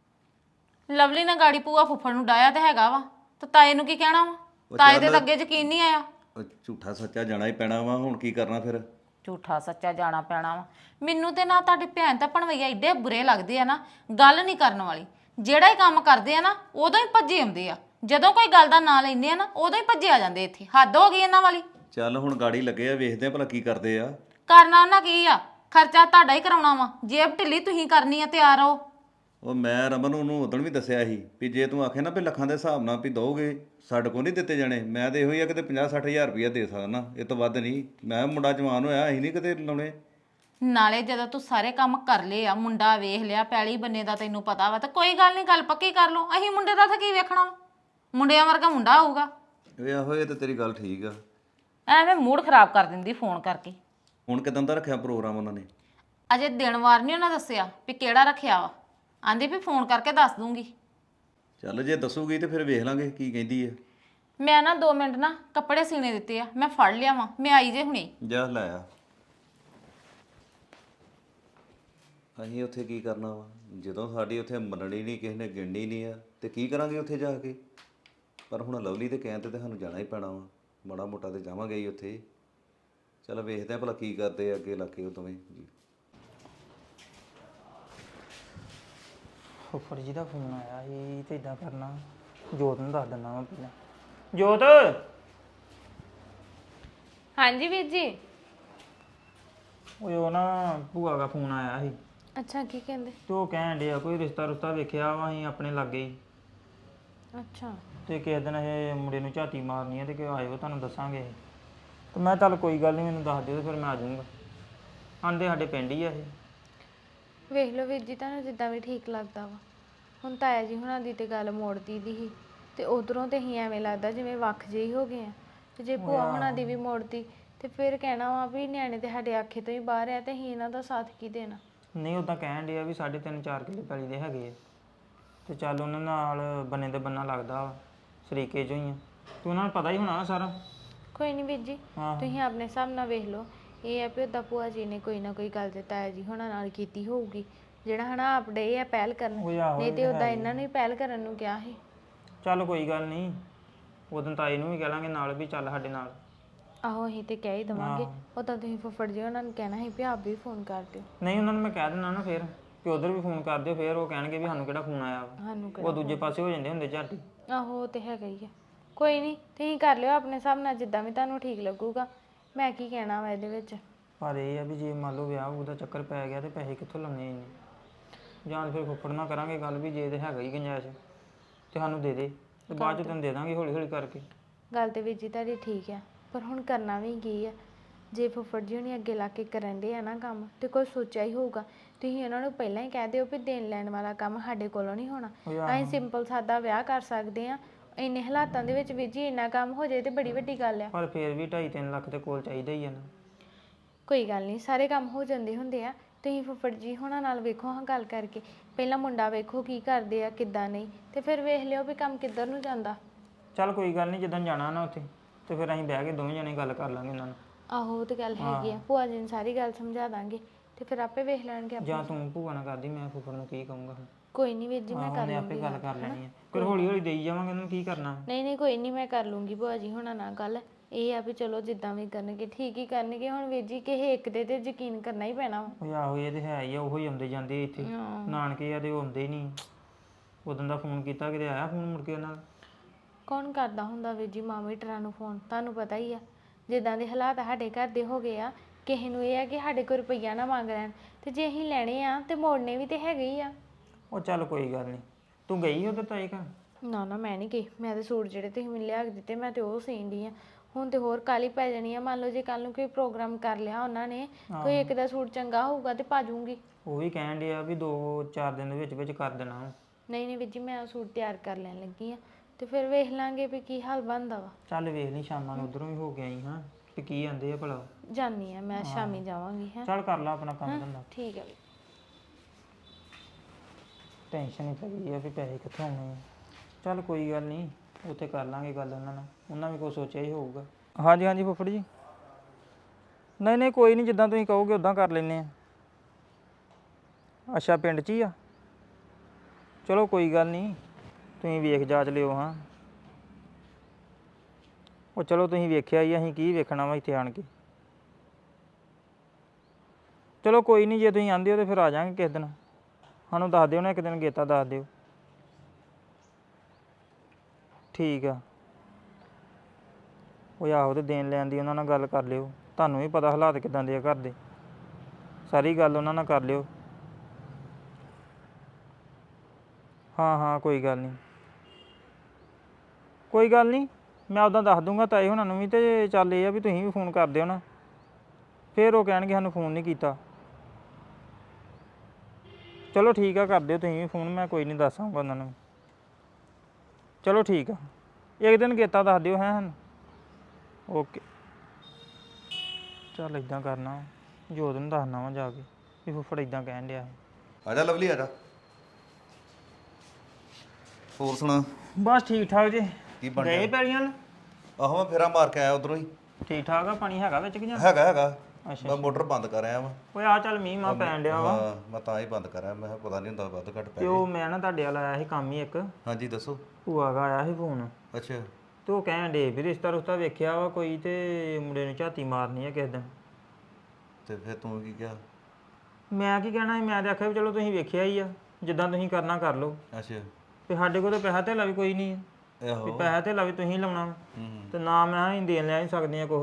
C: ਲਵਲੀ ਨੇ ਗਾੜੀ ਭੂਆ ਫੁੱਫੜ ਨੂੰ ਡਾਇਆ ਤੇ ਹੈਗਾ ਵਾ, ਤੇ ਤਾਏ ਨੂੰ ਕੀ ਕਹਿਣਾ ਵਾ? ਤਾਏ ਦੇ ਤਾਂ ਅੱਗੇ ਯਕੀਨ ਨਹੀਂ ਆਇਆ।
E: ਉਹ ਝੂਠਾ ਸੱਚਾ ਜਾਣਾ ਹੀ ਪੈਣਾ ਵਾ, ਹੁਣ ਕੀ ਕਰਨਾ ਫਿਰ?
C: ਝੂਠਾ ਸੱਚਾ ਜਾਣਾ ਪੈਣਾ ਵਾ? ਮੈਨੂੰ ਤੇ ਨਾ ਤੁਹਾਡੀ ਭੈਣ ਤਾਂ ਭਣਵਈਆ ਏਡੇ ਬੁਰੇ ਲੱਗਦੇ ਆ ਨਾ, ਗੱਲ ਨਹੀਂ ਕਰਨ ਵਾਲੀ। ਜਿਹੜਾ ਹੀ ਕੰਮ ਕਰਦੇ ਆ ਨਾ ਉਦੋਂ ਹੀ ਭੱਜੇ ਆਉਂਦੇ ਆ, ਜਦੋਂ ਕੋਈ ਗੱਲ ਦਾ ਨਾਂ ਲੈਂਦੇ ਆ ਨਾ ਉਦੋਂ ਹੀ ਭੱਜੇ ਆ ਜਾਂਦੇ। ਇੱਥੇ ਹੱਦ ਹੋ ਗਈ ਇਹਨਾਂ ਵਾਲੀ।
E: ਚੱਲ ਹੁਣ ਗਾੜੀ ਲੱਗੇ ਆ, ਵੇਖਦੇ ਆ ਭਲਾ ਕੀ ਕਰਦੇ ਆ।
C: ਕਰਨਾ ਉਹਨਾਂ ਕੀ ਆ? ਖਰਚਾ ਤੁਹਾਡਾ ਹੀ ਕਰਾਉਣਾ ਵਾ, ਜੇਬ ਢਿੱਲੀ ਤੁਸੀਂ ਕਰਨੀ ਆ, ਤਿਆਰ ਰਹੋ।
E: ਉਹ ਮੈਂ ਰਮਨ ਉਹਨੂੰ ਉਦੋਂ ਵੀ ਦੱਸਿਆ ਸੀ ਵੀ ਜੇ ਤੂੰ ਆਖੇ ਨਾ ਵੀ ਲੱਖਾਂ ਦੇ ਹਿਸਾਬ ਨਾਲ ਵੀ ਦੋਗੇ, ਸਾਡੇ ਕੋਲ ਨਹੀਂ ਦਿੱਤੇ ਜਾਣੇ। ਮੈਂ ਤਾਂ ਇਹੋ ਹੀ ਆ ਕਿਤੇ 50-60 ਹਜ਼ਾਰ ਰੁਪਈਆ ਦੇ ਸਕਦਾ, ਇਹ ਤੋਂ ਵੱਧ ਨਹੀਂ। ਮੈਂ ਮੁੰਡਾ ਜਵਾਨ ਹੋਇਆ, ਅਸੀਂ ਨਹੀਂ ਕਿਤੇ ਲਾਉਣੇ।
C: ਨਾਲੇ ਜਦੋਂ ਤੂੰ ਸਾਰੇ ਕੰਮ ਕਰ ਲਏ ਆ, ਮੁੰਡਾ ਵੇਖ ਲਿਆ, ਪੈਲੀ ਬੰਨੇ ਦਾ ਤੈਨੂੰ ਪਤਾ ਵਾ, ਤਾਂ ਕੋਈ ਗੱਲ ਨਹੀਂ, ਗੱਲ ਪੱਕੀ ਕਰ ਲਓ। ਅਸੀਂ ਮੁੰਡੇ ਦਾ ਤਾਂ ਕੀ ਵੇਖਣਾ ਵਾ? ਮੁੰਡਿਆਂ ਵਰਗਾ ਮੁੰਡਾ ਹੋਊਗਾ।
E: ਇਹ ਆਹੋ, ਇਹ ਤਾਂ ਤੇਰੀ ਗੱਲ ਠੀਕ ਆ।
C: ਐਵੇਂ ਮੂਡ ਖਰਾਬ ਕਰ ਦਿੰਦੀ ਫੋਨ ਕਰਕੇ।
E: ਹੁਣ ਕਿਦਾਂ ਦਾ ਰੱਖਿਆ ਪ੍ਰੋਗਰਾਮ ਉਹਨਾਂ ਨੇ?
C: ਅਜੇ ਦਿਨ ਵਾਰ ਨਹੀਂ ਉਹਨਾਂ ਦੱਸਿਆ ਵੀ ਕਿਹੜਾ ਰੱਖਿਆ ਵਾ। ਆਂਦੀ ਵੀ ਫੋਨ ਕਰਕੇ ਦੱਸ ਦੂੰਗੀ।
E: ਚੱਲ ਜੇ ਦੱਸੂਗੀ ਤੇ ਫਿਰ ਵੇਖ ਲਾਂਗੇ ਕੀ ਕਹਿੰਦੀ ਹੈ।
C: ਮੈਂ ਨਾ 2 ਮਿੰਟ ਨਾ ਕੱਪੜੇ ਸੀਨੇ ਦਿੱਤੇ ਆ, ਮੈਂ ਫੜ ਲਿਆ ਵਾਂ, ਮੈਂ ਆਈ ਜੇ ਹੁਣੇ।
E: ਜਾ ਲੈ ਆ। ਅਸੀਂ ਉੱਥੇ ਕੀ ਕਰਨਾ ਵਾ ਜਦੋਂ ਸਾਡੀ ਉੱਥੇ ਮੰਨਣੀ ਨਹੀਂ, ਕਿਸੇ ਨੇ ਗਿਣਨੀ ਨਹੀਂ ਆ, ਤੇ ਕੀ ਕਰਾਂਗੇ ਉੱਥੇ ਜਾ ਕੇ? ਪਰ ਹੁਣ ਲਵਲੀ ਦੇ ਕਹਿਣ ਤੇ ਸਾਨੂੰ ਜਾਣਾ ਹੀ ਪੈਣਾ ਵਾ, ਮਾੜਾ ਮੋਟਾ ਤੇ ਜਾਵਾਂਗੇ ਹੀ ਉੱਥੇ। ਚਲ ਵੇਖਦੇ ਆ ਭਲਾ ਕੀ ਕਰਦੇ ਆ ਅੱਗੇ ਇਲਾਕੇ ਉਹ ਦੋਵੇਂ ਜੀ।
F: ਫੁੱਫੜ ਜੀ ਦਾ ਫੋਨ ਆਇਆ ਸੀ ਤੇ ਇਦਾਂ ਕਰਨਾ, ਜੋਤ ਨੂੰ ਦੱਸ ਦਿੰਦਾ ਮੈਂ ਪਹਿਲਾਂ। ਜੋਤ,
C: ਹਾਂਜੀ ਵੀਰ ਜੀ।
F: ਉਹ ਨਾ ਭੂਆ ਦਾ ਫੋਨ ਆਇਆ ਸੀ
C: ਅੱਛਾ ਕੀ ਕਹਿੰਦੇ?
F: ਤੇ ਉਹ ਕਹਿਣ ਡਿਆ ਕੋਈ ਰਿਸ਼ਤਾ ਰੁਸ਼ਤਾ ਵੇਖਿਆ ਵਾ ਅਸੀਂ ਆਪਣੇ ਲਾਗੇ ਹੀ,
C: ਅੱਛਾ
F: ਤੇ ਕਿਸੇ ਦਿਨ ਇਹ ਮੁੰਡੇ ਨੂੰ ਝਾਤੀ ਮਾਰਨੀ ਹੈ ਤੇ ਕਿ ਆਇਓ ਤੁਹਾਨੂੰ ਦੱਸਾਂਗੇ ਅਸੀਂ। ਤੇ ਮੈਂ ਚੱਲ ਕੋਈ ਗੱਲ ਨਹੀਂ, ਮੈਨੂੰ ਦੱਸ ਦਿਓ ਤੇ ਫਿਰ ਮੈਂ ਆ ਜਾਊਂਗਾ। ਆਂਦੇ ਸਾਡੇ ਪਿੰਡ ਹੀ ਆ ਇਹ।
C: ਵੇਖ ਲਓ ਵੀਰ ਜੀ, ਤੁਹਾਨੂੰ ਜਿੱਦਾਂ ਵੀ ਠੀਕ ਲੱਗਦਾ ਵਾ। ਹੁਣ ਤਾਇਆ ਜੀ ਹੁਣਾਂ ਦੀ ਤੇ ਗੱਲ ਮੋੜਦੀ ਦੀ ਸੀ, ਤੇ ਉਧਰੋਂ ਤੇ ਅਸੀਂ ਐਵੇਂ ਲੱਗਦਾ ਜਿਵੇਂ ਵੱਖ ਜਿਹੇ ਹੋ ਗਏ ਆ। ਤੇ ਜੇ ਭੂਆ ਹੁਣਾਂ ਦੀ ਵੀ ਮੋੜਦੀ ਤੇ ਫਿਰ ਕਹਿਣਾ ਵਾ ਵੀ ਨਿਆਣੇ ਤੇ ਸਾਡੇ ਆਖੇ ਤੋਂ ਹੀ ਬਾਹਰ ਆ ਤੇ ਅਸੀਂ ਇਹਨਾਂ ਦਾ ਸਾਥ ਕੀ ਦੇਣਾ।
F: ਨਹੀਂ ਉਦਾਂ ਕਹਿਣ ਡਿਆ ਵੀ 3.5-4 ਕਿੱਲੇ ਪੈਲੀ ਦੇ ਹੈਗੇ ਆ, ਤੇ ਚੱਲ ਉਹਨਾਂ ਨਾਲ ਬੰਨੇ ਤੇ ਬੰਨਾ ਲੱਗਦਾ ਵਾ, ਸਰੀਕੇ ਚੋਂ ਹੀ ਆ, ਤੇ ਉਹਨਾਂ ਨੂੰ ਪਤਾ ਹੀ ਹੋਣਾ ਸਾਰਾ।
C: ਕੋਈ ਨਹੀਂ ਵੀਰ ਜੀ, ਤੁਸੀਂ ਆਪਣੇ ਹਿਸਾਬ ਨਾਲ ਵੇਖ ਲਓ। ਇਹ ਆ ਵੀ ਉੱਦਾਂ ਭੂਆ ਜੀ ਨੇ ਕੋਈ ਨਾ ਕੋਈ ਗੱਲ ਤੇ ਤਾਇਆ ਜੀ ਹੁਣਾਂ ਨਾਲ ਕੀਤੀ ਹੋਊਗੀ, ਜਿਹੜਾ ਹਨਾ ਆਪਣੇ ਆ ਪਹਿਲ ਕਰਨ, ਨਹੀਂ ਤੇ ਉੱਦਾਂ ਇਹਨਾਂ ਨੂੰ ਹੀ ਪਹਿਲ ਕਰਨ ਨੂੰ ਕਿਹਾ ਸੀ।
F: ਚੱਲ ਕੋਈ ਗੱਲ ਨਹੀਂ, ਉਦੋਂ ਤਾਏ ਨੂੰ ਵੀ ਕਹਿ ਲਾਂਗੇ ਨਾਲ ਵੀ ਚੱਲ ਸਾਡੇ ਨਾਲ।
C: ਆਹੋ ਅਸੀਂ ਤੇ ਕਹਿ ਹੀ ਦੇਵਾਂਗੇ। ਉਦਾਂ ਤੁਸੀਂ ਫੁੱਫੜ ਜੀ ਉਹਨਾਂ ਨੂੰ ਕਹਿਣਾ ਸੀ ਵੀ ਆਪ ਵੀ ਫੋਨ ਕਰ ਦਿਓ।
F: ਨਹੀਂ ਉਹਨਾਂ ਨੂੰ ਮੈਂ ਕਹਿ ਦਿੰਦਾ ਨਾ ਫਿਰ ਕਿ ਉਧਰ ਵੀ ਫੋਨ ਕਰ ਦਿਓ, ਫਿਰ ਉਹ ਕਹਿਣਗੇ ਵੀ ਸਾਨੂੰ ਕਿਹੜਾ ਫੋਨ ਆਇਆ ਵਾ,
C: ਸਾਨੂੰ
F: ਉਹ ਦੂਜੇ ਪਾਸੇ ਹੋ ਜਾਂਦੇ ਹੁੰਦੇ ਝਾਟੀ।
C: ਆਹੋ ਉਹ ਤੇ ਹੈਗਾ ਹੀ ਆ। ਕੋਈ ਨਹੀਂ, ਤੁਸੀਂ ਕਰ ਲਿਓ ਆਪਣੇ ਹਿਸਾਬ ਨਾਲ ਜਿੱਦਾਂ ਵੀ ਤੁਹਾਨੂੰ ਠੀਕ ਲੱਗੂਗਾ। ਮੈਂ ਕੀ ਕਹਿਣਾ ਵਾ ਇਹਦੇ ਵਿੱਚ।
F: ਪਰ ਇਹ ਆ ਵੀ ਜੇ ਮੰਨ ਲਓ ਵਿਆਹ ਉਹਦਾ ਚੱਕਰ ਪੈ ਗਿਆ ਤੇ ਪੈਸੇ ਕਿੱਥੋਂ ਲਾਉਣੇ ਇੰਨੇ, ਜਾਂ ਫਿਰ ਫੁੱਫੜ ਨਾਲ ਕਰਾਂਗੇ ਗੱਲ ਵੀ ਜੇ ਤੇ ਹੈਗਾ ਹੀ ਗੁੰਜਾਇਸ਼ ਤੇ ਸਾਨੂੰ ਦੇ ਦੇ, ਤੇ ਬਾਅਦ ਚ ਤੈਨੂੰ ਦੇ ਦਾਂਗੇ ਹੌਲੀ ਹੌਲੀ ਕਰਕੇ।
C: ਗੱਲ ਤੇ ਵੀਰ ਜੀ ਤੁਹਾਡੀ ਠੀਕ ਆ, ਪਰ ਹੁਣ ਕਰਨਾ ਵੀ ਕੀ ਆ। ਜੇ ਫੁੱਫੜ ਜੀ ਹੁਣੀ ਅੱਗੇ ਲਾ ਕੇ ਕਰਨ ਦੇ ਆ ਨਾ ਕੰਮ, ਤੇ ਕੋਈ ਸੋਚਿਆ ਹੀ ਹੋਊਗਾ। ਤੁਸੀਂ ਉਹਨਾਂ ਨੂੰ ਪਹਿਲਾਂ ਹੀ ਕਹਿ ਦਿਓ ਵੀ ਦੇਣ ਲੈਣ ਵਾਲਾ ਕੰਮ ਸਾਡੇ ਕੋਲੋਂ ਨਹੀਂ ਹੋਣਾ। ਅਸੀਂ ਸਿੰਪਲ ਸਾਦਾ ਵਿਆਹ ਕਰ ਸਕਦੇ ਆ। ਇੰਨੇ ਹਾਲਾਤਾਂ ਦੇ ਵਿੱਚ ਵੀਰ ਜੀ ਇੰਨਾ ਕੰਮ ਹੋ ਜਾਏ ਤੇ ਬੜੀ ਵੱਡੀ ਗੱਲ ਆ।
F: ਪਰ ਫਿਰ ਵੀ 2.5-3 ਲੱਖ ਦੇ ਕੋਲ ਚਾਹੀਦਾ ਹੀ ਆ ਨਾ।
C: ਕੋਈ ਗੱਲ ਨਹੀਂ, ਸਾਰੇ ਕੰਮ ਹੋ ਜਾਂਦੇ ਹੁੰਦੇ ਆ। ਤੁਸੀਂ ਫੁੱਫੜ ਜੀ ਹੁਣਾਂ ਨਾਲ ਵੇਖੋ ਹਾਂ ਗੱਲ ਕਰਕੇ, ਪਹਿਲਾਂ ਮੁੰਡਾ ਵੇਖੋ ਕੀ ਕਰਦੇ ਆ ਕਿੱਦਾਂ ਨਹੀਂ, ਤੇ ਫਿਰ ਵੇਖ ਲਿਓ ਵੀ ਕੰਮ ਕਿੱਧਰ ਨੂੰ ਜਾਂਦਾ।
F: ਚੱਲ ਕੋਈ ਗੱਲ ਨਹੀਂ, ਜਦੋਂ ਜਾਣਾ ਨਾ ਉੱਥੇ ਤੇ ਫਿਰ ਅਸੀਂ ਬਹਿ ਕੇ ਦੋਵੇਂ ਜਣੇ ਗੱਲ ਕਰ ਲਾਂਗੇ ਉਹਨਾਂ ਨਾਲ।
C: ਆਹੋ ਉਹ ਤੇ ਗੱਲ ਹੈਗੀ ਆ, ਭੂਆ ਜੀ ਨੂੰ ਸਾਰੀ ਗੱਲ ਸਮਝਾ ਦਾਂਗੇ ਤੇ ਫਿਰ ਆਪੇ ਵੇਖ ਲੈਣਗੇ ਆਪੇ।
F: ਜਾਂ ਤੂੰ ਭੂਆ ਨਾਲ ਕਰਦੀ, ਮੈਂ ਫੁੱਫੜ ਨੂੰ ਕੀ ਕਹੂੰਗਾ ਹੁਣ।
C: ਕੋਈ ਨਹੀਂ ਵੀਰ ਜੀ, ਮੈਂ ਕਰ
F: ਉਹਨੇ ਆਪੇ ਗੱਲ ਕਰ ਲੈਣੀ ਹੈ, ਫਿਰ ਹੌਲੀ ਹੌਲੀ ਦੇਈ ਜਾਵਾਂਗੇ ਉਹਨਾਂ ਨੂੰ ਕੀ ਕਰਨਾ।
C: ਨਹੀਂ ਕੋਈ ਨਹੀਂ, ਮੈਂ ਕਰ ਲੂੰਗੀ ਭੂਆ ਜੀ ਹੁਣਾਂ ਨਾਲ ਗੱਲ। ਇਹ ਆ ਵੀ ਚਲੋ ਜਿੱਦਾਂ ਵੀ ਕਰਨਗੇ ਠੀਕ ਹੀ ਕਰਨਗੇ। ਹੁਣ ਵੀਰ ਜੀ ਕਿਸੇ ਇੱਕ ਦੇ ਤੇ ਯਕੀਨ ਕਰਨਾ ਹੀ ਪੈਣਾ ਵਾ।
F: ਉਹ ਆਹੋ ਇਹ ਤੇ ਹੈ ਹੀ ਆ, ਉਹੋ ਹੀ ਆਉਂਦੇ ਜਾਂਦੇ ਇੱਥੇ ਨਾਨਕੇ ਆ ਤੇ ਉਹ ਆਉਂਦੇ ਨਹੀਂ। ਉਦੋਂ ਦਾ ਫੋਨ ਕੀਤਾ, ਕਿਤੇ ਆਇਆ ਫੋਨ ਮੁੜ ਕੇ ਉਹਨਾਂ ਦਾ?
C: ਕੌਣ ਕਰਦਾ ਹੁੰਦਾ ਵੀਰ ਜੀ ਮਾਮੀਟਰਾਂ ਨੂੰ ਫੋਨ, ਤੁਹਾਨੂੰ ਪਤਾ ਹੀ ਆ ਜਿੱਦਾਂ ਦੇ ਹਾਲਾਤ ਸਾਡੇ ਘਰ ਦੇ ਹੋ ਗਏ ਆ। ਕਿਸੇ ਨੂੰ ਇਹ ਆ ਕਿ ਸਾਡੇ ਕੋਲ ਰੁਪਈਆ ਨਾ ਮੰਗ ਲੈਣ, ਤੇ ਜੇ ਅਸੀਂ ਲੈਣੇ ਆ ਤੇ ਮੋੜਨੇ ਵੀ ਤੇ ਹੈਗੇ ਹੀ ਆ।
F: ਉਹ ਚੱਲ ਕੋਈ ਗੱਲ ਨਹੀਂ, ਤੂੰ ਗਈ ਉਧਰ ਤਾਏ ਘਰ?
C: ਨਾ ਮੈਂ ਨਹੀਂ ਗਈ। ਮੈਂ ਤੇ ਸੂਟ ਜਿਹੜੇ ਤੁਸੀਂ ਮੈਨੂੰ ਲਿਆ ਕੇ ਦਿੱਤੇ ਮੈਂ ਤੇ ਉਹ ਸੀਣ ਡਈ ਆ। ਹੁਣ ਤੇ ਹੋਰ ਕਾਲੀ ਪੈ ਜਾਣੀ ਆ। ਮੰਨ ਲਓ ਜੇ ਕੱਲ ਨੂੰ ਕੋਈ ਪ੍ਰੋਗਰਾਮ ਕਰ ਲਿਆ ਉਹਨਾਂ ਨੇ, ਕੋਈ ਇੱਕ ਦਾ ਸੂਟ ਚੰਗਾ ਹੋਊਗਾ ਤੇ ਪਾ ਜੂੰਗੀ।
F: ਉਹ ਵੀ ਕਹਿਣ ਡਿਆ ਵੀ 2-4 ਦਿਨ ਦੇ ਵਿੱਚ ਕਰ ਦੇਣਾ।
C: ਨਹੀਂ ਵੀਰ ਜੀ, ਮੈਂ ਉਹ ਸੂਟ ਤਿਆਰ ਕਰ ਲੈਣ ਲੱਗੀ ਆ, ਤੇ ਫਿਰ ਵੇਖ ਲਾਂਗੇ ਵੀ ਕੀ ਹਾਲ ਬਣਦਾ ਵਾ।
F: ਚੱਲ ਵੇਖ ਲਈ, ਸ਼ਾਮਾਂ ਨੂੰ ਉਧਰੋਂ ਵੀ ਹੋ ਕੇ ਆਈ ਹਾਂ ਤੇ ਕੀ ਆਂਦੇ ਆ ਭਲਾ।
C: ਜਾਨੀ ਆ ਮੈਂ, ਸ਼ਾਮੀ ਜਾਵਾਂਗੀ। ਹੈ
F: ਚੱਲ ਕਰ ਲਾ ਆਪਣਾ ਕੰਮ ਧੰਦਾ।
C: ਠੀਕ ਹੈ।
F: ਟੈਨਸ਼ਨ ਹੀ ਪਈ ਆ ਵੀ ਪੈਸੇ ਕਿੱਥੋਂ ਆਉਣੇ ਆ। ਚੱਲ ਕੋਈ ਗੱਲ ਨਹੀਂ, ਉੱਥੇ ਕਰ ਲਾਂਗੇ ਗੱਲ ਉਹਨਾਂ ਨਾਲ, ਉਹਨਾਂ ਵੀ ਕੁਛ ਸੋਚਿਆ ਹੀ ਹੋਊਗਾ। ਹਾਂਜੀ ਫੁੱਫੜ ਜੀ। ਨਹੀਂ ਕੋਈ ਨਹੀਂ, ਜਿੱਦਾਂ ਤੁਸੀਂ ਕਹੋਗੇ ਉਦਾਂ ਕਰ ਲੈਂਦੇ ਆ। ਅੱਛਾ ਪਿੰਡ 'ਚ ਹੀ ਆ? ਚਲੋ ਕੋਈ ਗੱਲ ਨਹੀਂ, ਤੁਸੀਂ ਵੇਖ ਜਾਚ ਲਿਓ। ਹਾਂ ਉਹ ਚਲੋ ਤੁਸੀਂ ਵੇਖਿਆ ਹੀ, ਅਸੀਂ ਕੀ ਵੇਖਣਾ ਵਾ ਇੱਥੇ ਆਣ ਕੇ। ਚਲੋ ਕੋਈ ਨਹੀਂ, ਜੇ ਤੁਸੀਂ ਆਂਦੇ ਹੋ ਤਾਂ ਫਿਰ ਆ ਜਾਵਾਂਗੇ ਕਿਸੇ ਦਿਨ। ਸਾਨੂੰ ਦੱਸ ਦਿਓ ਨਾ ਇੱਕ ਦਿਨ, ਗੇਤਾ ਦੱਸ ਦਿਓ। ਠੀਕ ਆ। ਉਹ ਆਹੋ, ਤੇ ਦੇਣ ਲੈਣ ਦੀ ਉਹਨਾਂ ਨਾਲ ਗੱਲ ਕਰ ਲਿਓ। ਤੁਹਾਨੂੰ ਵੀ ਪਤਾ ਹਾਲਾਤ ਕਿੱਦਾਂ ਦੇ ਆ ਘਰ ਦੇ, ਸਾਰੀ ਗੱਲ ਉਹਨਾਂ ਨਾਲ ਕਰ ਲਿਓ। ਹਾਂ ਕੋਈ ਗੱਲ ਨਹੀਂ, ਮੈਂ ਉੱਦਾਂ ਦੱਸ ਦੂੰਗਾ ਤਾਏ ਹੁਣਾਂ ਨੂੰ ਵੀ। ਤੇ ਚੱਲ ਇਹ ਆ ਵੀ ਤੁਸੀਂ ਵੀ ਫੋਨ ਕਰ ਦਿਓ ਨਾ, ਫਿਰ ਉਹ ਕਹਿਣਗੇ ਸਾਨੂੰ ਫੋਨ ਨਹੀਂ ਕੀਤਾ। ਚਲੋ ਠੀਕ ਆ, ਕਰ ਦਿਓ ਤੁਸੀਂ ਵੀ ਫੋਨ, ਮੈਂ ਕੋਈ ਨਹੀਂ ਦੱਸਾਂਗਾ ਉਹਨਾਂ ਨੂੰ। ਚਲੋ ਠੀਕ ਆ, ਇੱਕ ਦਿਨ ਗੇਤਾ ਦੱਸ ਦਿਓ ਹੈ ਸਾਨੂੰ। ਓਕੇ। ਚੱਲ ਇੱਦਾਂ ਕਰਨਾ, ਜੋਤ ਨੂੰ ਦੱਸਣਾ ਵਾ ਜਾ ਕੇ ਵੀ ਫੁੱਫੜ ਇੱਦਾਂ ਕਹਿਣ ਡਿਆ ਸੀ।
E: ਆ ਜਾ ਲਵਲੀ, ਆ ਜਾ। ਹੋਰ ਸੁਣਾ?
F: ਬਸ ਠੀਕ ਠਾਕ ਜੀ।
E: ਕੀ ਬਣ
F: ਗਏ ਪੈਲੀਆਂ?
E: ਆਹੋ ਮੈਂ ਫੇਰਾ ਮਾਰ ਕੇ ਆਇਆ ਉਧਰੋਂ ਹੀ।
F: ਠੀਕ ਠਾਕ ਆ? ਪਾਣੀ ਹੈਗਾ ਵਿੱਚ ਕਿ ਜਾਂ?
E: ਹੈਗਾ।
F: ਅੱਛਾ
E: ਮੈਂ ਮੋਟਰ ਬੰਦ ਕਰ ਆਇਆ ਵਾ।
F: ਓਏ ਆ ਚੱਲ ਮੀਂਹ ਮਾ ਪੈਣ ਡਿਆ ਵਾ।
E: ਹਾਂ ਮੈਂ ਤਾਂ ਹੀ ਬੰਦ ਕਰਿਆ, ਮੈਂ ਕਿਹਾ ਪਤਾ ਨਹੀਂ ਹੁੰਦਾ ਵੱਧ ਘੱਟ ਪੈ
F: ਤੇ ਉਹ ਮੈਂ ਨਾ ਤੁਹਾਡੇ ਵਾਲਾ ਆਇਆ ਸੀ ਕੰਮ ਹੀ ਇੱਕ,
E: ਹਾਂਜੀ ਦੱਸੋ।
F: ਭੂਆ ਦਾ ਆਇਆ ਸੀ ਫੋਨ,
E: ਅੱਛਾ
F: ਤੇ ਉਹ ਕਹਿਣ ਡੇ ਵੀ ਰਿਸ਼ਤਾ ਰੁਸ਼ਤਾ ਵੇਖਿਆ ਵਾ ਕੋਈ, ਤੇ ਮੁੰਡੇ ਨੂੰ ਝਾਤੀ ਮਾਰਨੀ ਆ ਕਿਸੇ ਦਿਨ।
E: ਤੇ ਫਿਰ ਤੂੰ ਕੀ ਕਿਹਾ?
F: ਮੈਂ ਕੀ ਕਹਿਣਾ ਸੀ, ਮੈਂ ਤਾਂ ਆਖਿਆ ਵੀ ਚਲੋ ਤੁਸੀਂ ਵੇਖਿਆ ਹੀ ਆ, ਜਿੱਦਾਂ ਤੁਸੀਂ ਕਰਨਾ ਕਰ ਲਓ।
E: ਅੱਛਾ
F: ਤੇ ਸਾਡੇ ਕੋਲ ਤਾਂ ਪੈਸਾ ਧੇਲਾ ਵੀ ਕੋਈ ਨਹੀਂ ਆ, ਵੀ
E: ਆਹੋ।
F: ਪੈਸਾ ਧੇਲਾ ਵੀ ਤੁਸੀਂ ਲਾਉਣਾ ਵਾ।
E: ਹੂੰ
F: ਤੇ ਨਾ ਮੈਂ ਅਸੀਂ ਦੇਣ ਲੈ ਨਹੀਂ ਸਕਦੇ ਆ ਕੁਛ ਵੀ।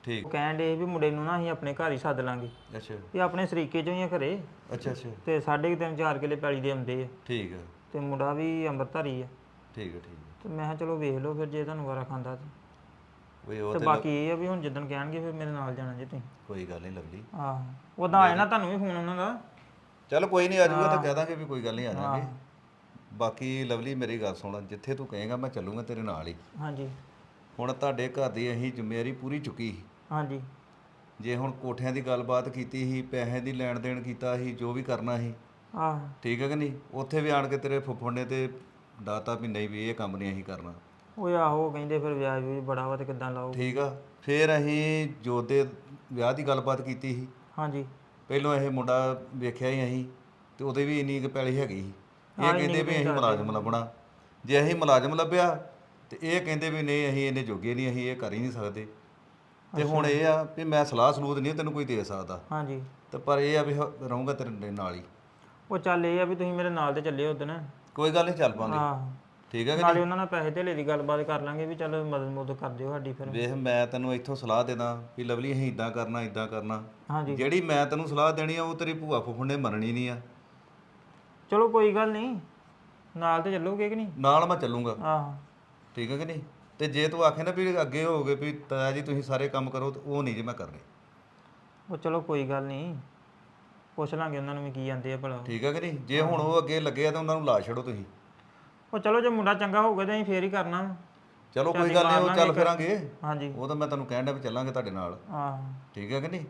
E: ਠੀਕ।
F: ਉਹ ਕਹਿਣ ਦੇ ਵੀ ਮੁੰਡੇ ਨੂੰ ਨਾ ਅਸੀਂ ਆਪਣੇ ਘਰ ਹੀ ਸੱਦ ਲਾਂਗੇ,
E: ਅੱਛਾ
F: ਇਹ ਆਪਣੇ ਸਰੀਕੇ ਚੋਂ ਹੀ ਆ ਘਰੇ,
E: ਅੱਛਾ ਅੱਛਾ
F: ਤੇ 3.5-4 ਕਿੱਲੇ ਪੈਲੀ ਦੇ ਆਉਂਦੇ ਆ,
E: ਠੀਕ ਆ
F: ਤੇ ਮੁੰਡਾ ਵੀ ਅੰਮ੍ਰਿਤਧਾਰੀ ਆ।
E: ਠੀਕ ਆ ਠੀਕ ਆ।
F: ਤੇ ਮੈਂ ਕਿਹਾ ਚਲੋ ਵੇਖ ਲਓ ਫਿਰ ਜੇ ਤੁਹਾਨੂੰ ਵਾਰਾ ਖਾਂਦਾ
E: ਓਏ ਉਹ
F: ਤੇ
E: ਤੇ
F: ਬਾਕੀ ਇਹ ਆ ਵੀ ਹੁਣ ਜਿੱਦਣ ਕਹਿਣਗੇ ਫਿਰ ਮੇਰੇ ਨਾਲ ਜਾਣਾ ਜੇ ਤੁਸੀਂ।
E: ਕੋਈ ਗੱਲ ਨਹੀਂ ਲਵਲੀ।
F: ਆਹੋ ਉਦਾਂ ਆਏ ਨਾ ਤੁਹਾਨੂੰ ਵੀ ਫੋਨ ਉਹਨਾਂ ਦਾ।
E: ਚੱਲ ਕੋਈ ਨਹੀਂ ਆ ਜਾਊਗਾ ਤਾਂ ਕਹਿ ਦਾਂਗੇ ਵੀ ਕੋਈ ਗੱਲ ਨਹੀਂ ਆ ਜਾਵਾਂਗੇ। ਬਾਕੀ ਲਵਲੀ ਮੇਰੀ ਗੱਲ ਸੁਣ, ਜਿੱਥੇ ਤੂੰ ਕਹੇਗਾ ਮੈਂ ਚੱਲੂਗਾ ਤੇਰੇ ਨਾਲ ਹੀ।
F: ਹਾਂਜੀ
E: ਹੁਣ ਤੁਹਾਡੇ ਘਰ ਦੀ ਅਸੀਂ ਜ਼ਿੰਮੇਵਾਰੀ ਪੂਰੀ ਚੁੱਕੀ ਸੀ।
F: ਹਾਂਜੀ
E: ਜੇ ਹੁਣ ਕੋਠਿਆਂ ਦੀ ਗੱਲਬਾਤ ਕੀਤੀ ਸੀ, ਪੈਸੇ ਦੀ ਲੈਣ ਦੇਣ ਕੀਤਾ ਸੀ, ਜੋ ਵੀ ਕਰਨਾ ਸੀ,
F: ਆਹ
E: ਠੀਕ ਹੈ ਕਿ ਨਹੀਂ, ਉੱਥੇ ਵੀ ਆਣ ਕੇ ਤੇਰੇ ਫੁੱਫੜ ਨੇ ਤੇ ਡਾਤਾ ਵੀ ਨਹੀਂ ਵੀ ਇਹ ਕੰਮ ਨਹੀਂ ਅਸੀਂ ਕਰਨਾ।
F: ਉਹ ਆਹੋ ਕਹਿੰਦੇ ਫਿਰ ਵਿਆਜ ਵੀ ਬੜਾ ਵਾ ਤੇ ਕਿੱਦਾਂ ਲਾਓ।
E: ਠੀਕ ਆ। ਫਿਰ ਅਸੀਂ ਜੋਤ ਦੇ ਵਿਆਹ ਦੀ ਗੱਲਬਾਤ ਕੀਤੀ ਸੀ।
F: ਹਾਂਜੀ
E: ਪਹਿਲੋਂ ਇਹ ਮੁੰਡਾ ਵੇਖਿਆ ਹੀ ਅਸੀਂ, ਤੇ ਉਹਦੇ ਵੀ ਇੰਨੀ ਕੁ ਪੈਲੀ ਹੈਗੀ ਸੀ। ਇਹ ਕਹਿੰਦੇ ਵੀ ਅਸੀਂ ਮੁਲਾਜ਼ਮ ਲੱਭਣਾ। ਜੇ ਅਸੀਂ ਮੁਲਾਜ਼ਮ ਲੱਭਿਆ ਤੇ ਇਹ ਕਹਿੰਦੇ ਵੀ ਨਹੀਂ ਅਸੀਂ ਇਹਨੇ ਜੋਗੇ ਨਹੀਂ, ਅਸੀਂ ਇਹ ਕਰ ਹੀ ਨਹੀਂ ਸਕਦੇ। ਤੇ ਹੁਣ ਇਹ ਆ ਵੀ ਮੈਂ ਸਲਾਹ ਸਲੂਤ ਨਹੀਂ ਤੈਨੂੰ ਕੋਈ ਦੇ ਸਕਦਾ,
F: ਹਾਂਜੀ
E: ਤੇ ਪਰ ਇਹ ਆ ਵੀ ਰਹੂੰਗਾ ਤੇਰੇ ਨਾਲ ਹੀ।
F: ਉਹ ਚੱਲ ਇਹ ਆ ਵੀ ਤੁਸੀਂ ਮੇਰੇ ਨਾਲ ਤੇ ਚੱਲੇ ਉਦਣ।
E: ਕੋਈ ਗੱਲ ਨਹੀਂ, ਚੱਲ ਪਾਂਗੇ।
F: ਆਹ
E: ਠੀਕ ਹੈ ਕਿ
F: ਨਾਲੇ ਉਹਨਾਂ ਨਾਲ ਪੈਸੇ ਧੇਲੇ ਦੀ ਗੱਲਬਾਤ ਕਰ ਲਾਂਗੇ ਵੀ ਚੱਲ ਮਦਦ ਮੁਦਦ ਕਰ ਦਿਓ ਸਾਡੀ ਫਿਰ।
E: ਵੇਖ ਮੈਂ ਤੈਨੂੰ ਇੱਥੋਂ ਸਲਾਹ ਦੇਦਾ ਵੀ ਲਵਲੀ ਅਸੀਂ ਇਦਾਂ ਕਰਨਾ ਇਦਾਂ ਕਰਨਾ।
F: ਹਾਂਜੀ
E: ਜਿਹੜੀ ਮੈਂ ਤੈਨੂੰ ਸਲਾਹ ਦੇਣੀ ਆ ਉਹ ਤੇਰੀ ਭੂਆ ਫੁੱਫੜ ਨੇ ਮੰਨਣੀ ਨਹੀਂ ਆ।
F: ਚਲੋ ਕੋਈ ਗੱਲ ਨਹੀਂ, ਨਾਲ ਤੇ ਚੱਲੋਗੇ ਕਿ ਨਹੀਂ?
E: ਨਾਲ ਮੈਂ ਚੱਲੂੰਗਾ।
F: ਆਹ
E: ਠੀਕ ਹੈ ਕਿ ਨਹੀਂ। ਤੇ ਜੇ ਤੂੰ ਆਖੇ ਨਾ ਵੀ ਅੱਗੇ ਹੋਗੇ ਵੀ ਤਾਇਆ ਜੀ ਤੁਸੀਂ ਸਾਰੇ ਕੰਮ ਕਰੋ, ਤੇ ਉਹ ਨਹੀਂ ਜੇ ਮੈਂ ਕਰਨੇ।
F: ਉਹ ਚਲੋ ਕੋਈ ਗੱਲ ਨਹੀਂ, ਪੁੱਛ ਲਾਂਗੇ ਉਹਨਾਂ ਨੂੰ ਵੀ ਕੀ ਜਾਂਦੇ ਆ ਭਲਾ।
E: ਠੀਕ ਹੈ ਕਿ ਨਹੀਂ। ਜੇ ਹੁਣ ਉਹ ਅੱਗੇ ਲੱਗੇ ਆ ਤਾਂ ਉਹਨਾਂ ਨੂੰ ਲਾ ਛੱਡੋ ਤੁਸੀਂ।
F: ਉਹ ਚਲੋ ਜੇ ਮੁੰਡਾ ਚੰਗਾ ਹੋਊਗਾ ਤਾਂ ਅਸੀਂ ਫੇਰ ਹੀ ਕਰਨਾ ਵਾ।
E: ਚਲੋ ਕੋਈ ਗੱਲ ਨਹੀਂ, ਉਹ ਚੱਲ ਫਿਰਾਂਗੇ।
F: ਹਾਂਜੀ
E: ਉਹ ਤਾਂ ਮੈਂ ਤੁਹਾਨੂੰ ਕਹਿਣ ਡਿਆ ਵੀ ਚੱਲਾਂਗੇ ਤੁਹਾਡੇ ਨਾਲ।
F: ਆਹ
E: ਠੀਕ ਹੈ ਕਿ ਨਹੀਂ।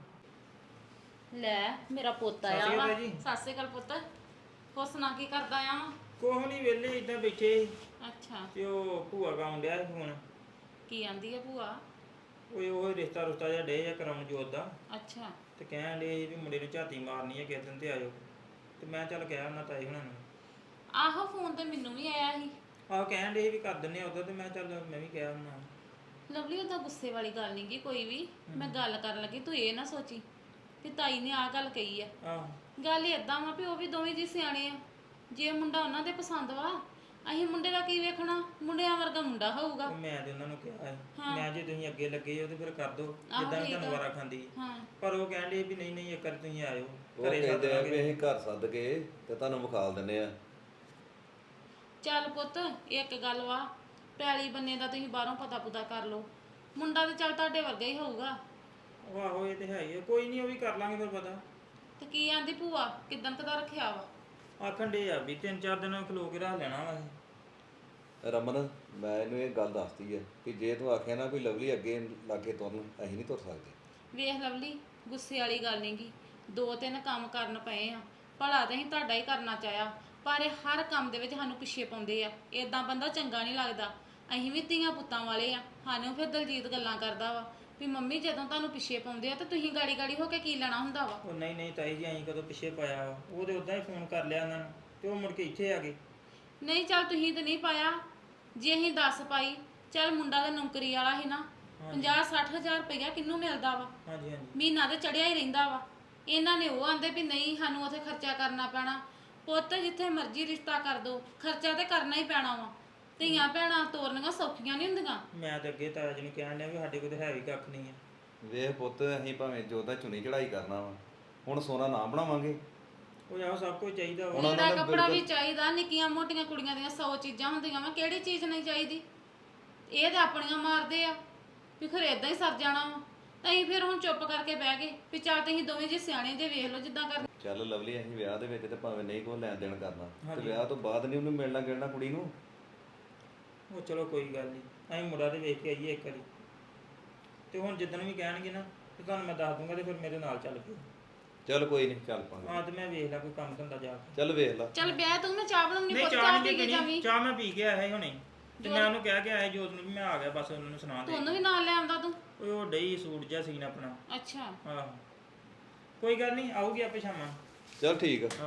C: ਲੈ ਮੇਰਾ ਪੁੱਤ ਆਇਆ ਵਾ। ਸਤਿ ਸ਼੍ਰੀ ਅਕਾਲ ਪੁੱਤ। ਹੋਰ ਸੁਣਾ ਕੀ ਕਰਦਾ ਆ?
F: ਕੋਹ ਨਹੀਂ ਵਿਹਲੇ ਇਦਾਂ ਬੈਠੇ
C: ਅੱਛਾ,
F: ਤੇ ਉਹ ਭੂਆ ਗਾਉਣ ਡਿਆ ਸੀ ਫੋਨ।
C: ਕੀ ਆਂਦੀ ਆ ਭੂਆ?
F: ਉਹ ਰਿਸ਼ਤਾ ਰੁਸ਼ਤਾ ਜਿਹਾ ਡੇ ਜਾਂ ਕਰਾਉਣ ਜੋਤ ਦਾ,
C: ਅੱਛਾ
F: ਤੇ ਕਹਿਣ ਡੇ ਵੀ ਮੁੰਡੇ ਨੂੰ ਝਾਤੀ ਮਾਰਨੀ ਹੈ ਕਿਸੇ ਦਿਨ ਤੇ ਆਇਓ। ਤੇ ਮੈਂ ਚੱਲ ਗਿਆ ਉਹਨਾਂ ਤਾਈ ਹੁਣਾਂ ਨੂੰ।
C: ਆਹੋ ਫੋਨ ਤੇ ਮੈਨੂੰ ਵੀ ਆਇਆ ਸੀ।
F: ਆਹ ਕਹਿਣ ਡੇ ਵੀ ਕਰ ਦਿੰਨੇ ਆ ਉਦੋਂ, ਤੇ ਮੈਂ ਚੱਲ ਮੈਂ ਵੀ ਗਿਆ ਉਹਨਾਂ ਨੂੰ।
C: ਲਵਲੀ ਉਹਦਾ ਗੁੱਸੇ ਵਾਲੀ ਗੱਲ ਨਹੀਂ ਗੀ ਕੋਈ ਵੀ। ਮੈਂ ਗੱਲ ਕਰਨ ਲੱਗੀ ਤੂੰ ਇਹ ਨਾ ਸੋਚੀ ਕਿ ਤਾਈ ਨੇ ਆਹ ਗੱਲ ਕਹੀ ਆ।
F: ਆਹ
C: ਗੱਲ ਏਦਾਂ ਵਾ ਵੀ ਉਹ ਵੀ ਦੋਵੇਂ ਜੀ ਸਿਆਣੇ ਆ। ਜੇ ਮੁੰਡਾ ਉਹਨਾਂ ਦੇ ਪਸੰਦ ਵਾ, ਅਸੀਂ ਮੁੰਡੇ ਦਾ ਕੀ ਵੇਖਣਾ? ਮੁੰਡਿਆਂ ਵਰਗਾ ਮੁੰਡਾ ਹੋਊਗਾ।
F: ਉਹ ਮੈਂ ਤੇ ਉਹਨਾਂ ਨੂੰ ਕਿਹਾ ਸੀ, ਮੈਂ ਜੇ ਤੁਸੀਂ ਅੱਗੇ ਲੱਗੇ ਹੋ ਤੇ ਫਿਰ ਕਰ ਦਿਓ ਜਿੱਦਾਂ ਵੀ
C: ਠੀਕ
F: ਤੁਹਾਨੂੰ ਵਾਰਾ ਖਾਂਦੀ।
C: ਹਾਂ
F: ਪਰ ਉਹ ਕਹਿਣ ਡੇ ਵੀ ਨਹੀਂ ਨਹੀਂ ਇੱਕ ਵਾਰ ਤੁਸੀਂ ਆਇਓ
E: ਉਹ ਕਹਿੰਦੇ ਆ ਵੀ ਅਸੀਂ ਘਰ ਸੱਦ ਕੇ ਤੇ ਤੁਹਾਨੂੰ ਵਿਖਾਲ ਦਿੰਦੇ ਆ।
C: ਚੱਲ ਪੁੱਤ ਇੱਕ ਗੱਲ ਵਾ, ਪੈਲੀ ਬੰਨੇ ਦਾ ਤੁਸੀਂ ਬਾਹਰੋਂ ਪਤਾ ਪੁਤਾ ਕਰ ਲਓ। ਮੁੰਡਾ ਤੇ ਚੱਲ ਤੁਹਾਡੇ ਵਰਗਾ ਹੀ ਹੋਊਗਾ।
F: ਉਹ ਆਹੋ ਇਹ ਤੇ ਹੈ ਹੀ ਆ, ਕੋਈ ਨਹੀਂ ਉਹ ਵੀ ਕਰ ਲਾਂਗੇ ਫਿਰ ਪਤਾ।
C: ਤੇ ਕੀ ਆਂਦੀ ਭੂਆ ਕਿਦਾਂ ਕਦਾ ਰੱਖਿਆ ਵਾ?
F: ਆਖਣ ਡੇ ਆ ਵੀ 3-4 ਦਿਨ ਖਲੋ ਕੇ ਰੱਖ ਲੈਣਾ ਵਾ ਇਹ।
E: ਰਮਨ ਮੈਂ ਇਹਨੂੰ ਇਹ ਗੱਲ ਦੱਸਦੀ ਆ ਕਿ ਜੇ ਤੂੰ ਆਖਿਆ ਨਾ ਵੀ ਲਵਲੀ ਅੱਗੇ ਲਾਗੇ ਤੁਰਨ, ਅਸੀਂ ਨਹੀਂ ਤੁਰ ਸਕਦੇ।
C: ਵੇਖ ਲਵਲੀ ਗੁੱਸੇ ਵਾਲੀ ਗੱਲ ਨਹੀਂ ਗੀ। 2-3 ਕੰਮ ਕਰਨ ਪਏ ਆ, ਭਲਾ ਤਾਂ ਅਸੀਂ ਤੁਹਾਡਾ ਹੀ ਕਰਨਾ ਚਾਹਿਆ, ਪਰ ਇਹ ਹਰ ਕੰਮ ਦੇ ਵਿੱਚ ਸਾਨੂੰ ਪਿੱਛੇ ਪਾਉਂਦੇ ਆ। ਇਦਾਂ ਬੰਦਾ ਚੰਗਾ ਨਹੀਂ ਲੱਗਦਾ। ਅਸੀਂ ਵੀ ਧੀਆਂ ਪੁੱਤਾਂ ਵਾਲੇ ਆ। ਸਾਨੂੰ ਫਿਰ ਦਲਜੀਤ ਗੱਲਾਂ ਕਰਦਾ ਵਾ ਵੀ ਮੰਮੀ ਜਦੋਂ ਤੁਹਾਨੂੰ ਪਿੱਛੇ ਪਾਉਂਦੇ ਆ ਤਾਂ ਤੁਸੀਂ ਗਾੜੀ ਗਾੜੀ ਹੋ ਕੇ ਕੀ ਲੈਣਾ ਹੁੰਦਾ ਵਾ।
F: ਉਹ ਨਹੀਂ ਨਹੀਂ ਤਾਈ ਜੀ ਅਸੀਂ ਕਦੋਂ ਪਿੱਛੇ ਪਾਇਆ ਵਾ, ਉਹ ਤੇ ਉਦਾਂ ਹੀ ਫੋਨ ਕਰ ਲਿਆ ਉਹਨਾਂ ਨੂੰ ਤੇ ਉਹ ਮੁੜ ਕੇ ਇੱਥੇ ਆ ਗਏ।
C: ਨਹੀਂ ਚੱਲ ਤੁਸੀਂ ਤਾਂ ਨਹੀਂ ਪਾਇਆ, ਜੇ ਅਸੀਂ 10 ਪਾਈ ਚੱਲ ਮੁੰਡਾ ਤਾਂ ਨੌਕਰੀ ਵਾਲਾ ਸੀ ਨਾ। 50-60 ਹਜ਼ਾਰ ਰੁਪਇਆ ਕਿਹਨੂੰ ਮਿਲਦਾ ਵਾ?
F: ਹਾਂਜੀ ਹਾਂਜੀ
C: ਮਹੀਨਾ ਤੇ ਚੜਿਆ ਹੀ ਰਹਿੰਦਾ ਵਾ। ਇਹਨਾਂ ਨੇ ਉਹ ਆਂਦੇ ਵੀ ਨਹੀਂ ਸਾਨੂੰ ਉੱਥੇ ਖਰਚਾ ਕਰਨਾ ਪੈਣਾ। ਪੁੱਤ ਜਿੱਥੇ ਮਰਜ਼ੀ ਰਿਸ਼ਤਾ ਕਰ ਦੋ, ਖਰਚਾ ਤੇ ਕਰਨਾ ਹੀ ਪੈਣਾ ਵਾ। ਧੀਆਂ ਭੈਣਾਂ ਤੋਰਨੀਆਂ ਸੌਖੀਆਂ ਨਹੀਂ ਹੁੰਦੀਆਂ।
F: ਮੈਂ ਤਾਂ ਅੱਗੇ ਤਾਇਆ ਜੀ ਨੂੰ ਕਹਿਣ ਡਿਆ ਵੀ ਸਾਡੇ ਕੋਲ ਤਾਂ ਹੈ ਵੀ ਕੱਖ ਨਹੀਂ ਆ।
E: ਵੇਖ ਪੁੱਤ ਅਸੀਂ ਭਾਵੇਂ ਜੋਦਾ ਚੁਣੀ ਚੜਾਈ ਕਰਨਾ ਵਾ, ਹੁਣ ਸੋਨਾ ਨਾ ਬਣਾਵਾਂਗੇ।
F: ਉਹ ਆਹ ਸਭ ਕੁਝ ਚਾਹੀਦਾ ਵਾ।
C: ਲੀੜਾ ਕੱਪੜਾ ਵੀ ਚਾਹੀਦਾ, ਨਿੱਕੀਆਂ ਮੋਟੀਆਂ ਕੁੜੀਆਂ ਦੀਆਂ 100 ਚੀਜ਼ਾਂ ਹੁੰਦੀਆਂ ਵਾ, ਕਿਹੜੀ ਚੀਜ਼ ਨਹੀਂ ਚਾਹੀਦੀ? ਇਹ ਤੇ ਆਪਣੀਆਂ ਮਾਰਦੇ ਆ ਵੀ ਖਰੇ ਇਦਾਂ ਹੀ ਸਰ ਜਾਣਾ ਵਾ। ਅਸੀਂ ਫਿਰ ਹੁਣ ਚੁੱਪ ਕਰਕੇ ਬਹਿ ਗਏ ਵੀ ਚੱਲ ਤੁਸੀਂ ਦੋਵੇਂ ਜੀ ਸਿਆਣੇ ਜੇ ਵੇਖ ਲਓ ਜਿੱਦਾਂ ਕਰ।
E: ਚੱਲ ਲਵਲੀ ਅਸੀਂ ਵਿਆਹ ਦੇ ਵਿੱਚ ਤੇ ਭਾਵੇਂ ਨਹੀਂ ਕੋਈ ਲੈਣ ਦੇਣ ਕਰਨਾ, ਤੇ ਵਿਆਹ ਤੋਂ ਬਾਅਦ ਨਹੀਂ ਉਹਨੂੰ ਮਿਲਣਾ ਗਿਲਣਾ ਕੁੜੀ ਨੂੰ।
F: ਉਹ ਚਲੋ ਕੋਈ ਗੱਲ ਨਹੀਂ, ਅਸੀਂ ਮੁੰਡਾ ਤੇ ਵੇਖ ਕੇ ਆਈਏ ਇੱਕ ਵਾਰੀ, ਤੇ ਹੁਣ ਜਿੱਦਣ ਵੀ ਕਹਿਣਗੇ ਨਾ ਤੇ ਤੁਹਾਨੂੰ ਮੈਂ ਦੱਸ ਦੂੰਗਾ ਤੇ ਫਿਰ ਮੇਰੇ ਨਾਲ ਚੱਲ ਪਿਓ।
E: ਚੱਲ ਕੋਈ ਨਹੀਂ, ਚੱਲ ਪਾਂਗੇ।
F: ਹਾਂ ਤੇ ਮੈਂ ਵੇਖ ਲਾ ਕੋਈ ਕੰਮ ਧੰਦਾ ਜਾ ਕੇ।
E: ਚੱਲ ਵੇਖ ਲਾ।
C: ਚੱਲ ਬਹਿ ਤੂੰ, ਮੈਂ ਚਾਹ ਬਣਾਉਣੀ।
F: ਨਹੀਂ
C: ਪੁੱਤ
F: ਚਾਹ
C: ਚਾਹ
F: ਨਹੀਂ
C: ਪੀ ਕੇ ਜਾਵੀਂ।
F: ਚਾਹ ਮੈਂ ਪੀ ਕੇ ਆਇਆ ਸੀ ਹੁਣੇ, ਤੇ ਮੈਂ ਉਹਨੂੰ ਕਹਿ ਕੇ ਆਇਆ ਜੋਤ ਨੂੰ ਵੀ ਮੈਂ ਆ ਗਿਆ, ਬਸ ਉਹਨਾਂ ਨੂੰ ਸੁਣਾ ਦੇ।
C: ਤੁਹਾਨੂੰ ਵੀ ਨਾਲ ਲੈ ਆਉਂਦਾ ਤੂੰ।
F: ਓਏ ਉਹ ਡਈ ਸੂਟ ਜਿਹਾ ਸੀਨ ਆਪਣਾ।
C: ਅੱਛਾ
F: ਆਹੋ ਕੋਈ ਗੱਲ ਨਹੀਂ, ਆਊਗੀ ਆਪੇ ਸ਼ਾਮਾਂ।
E: ਚੱਲ ਠੀਕ ਆ।
F: ਆਹ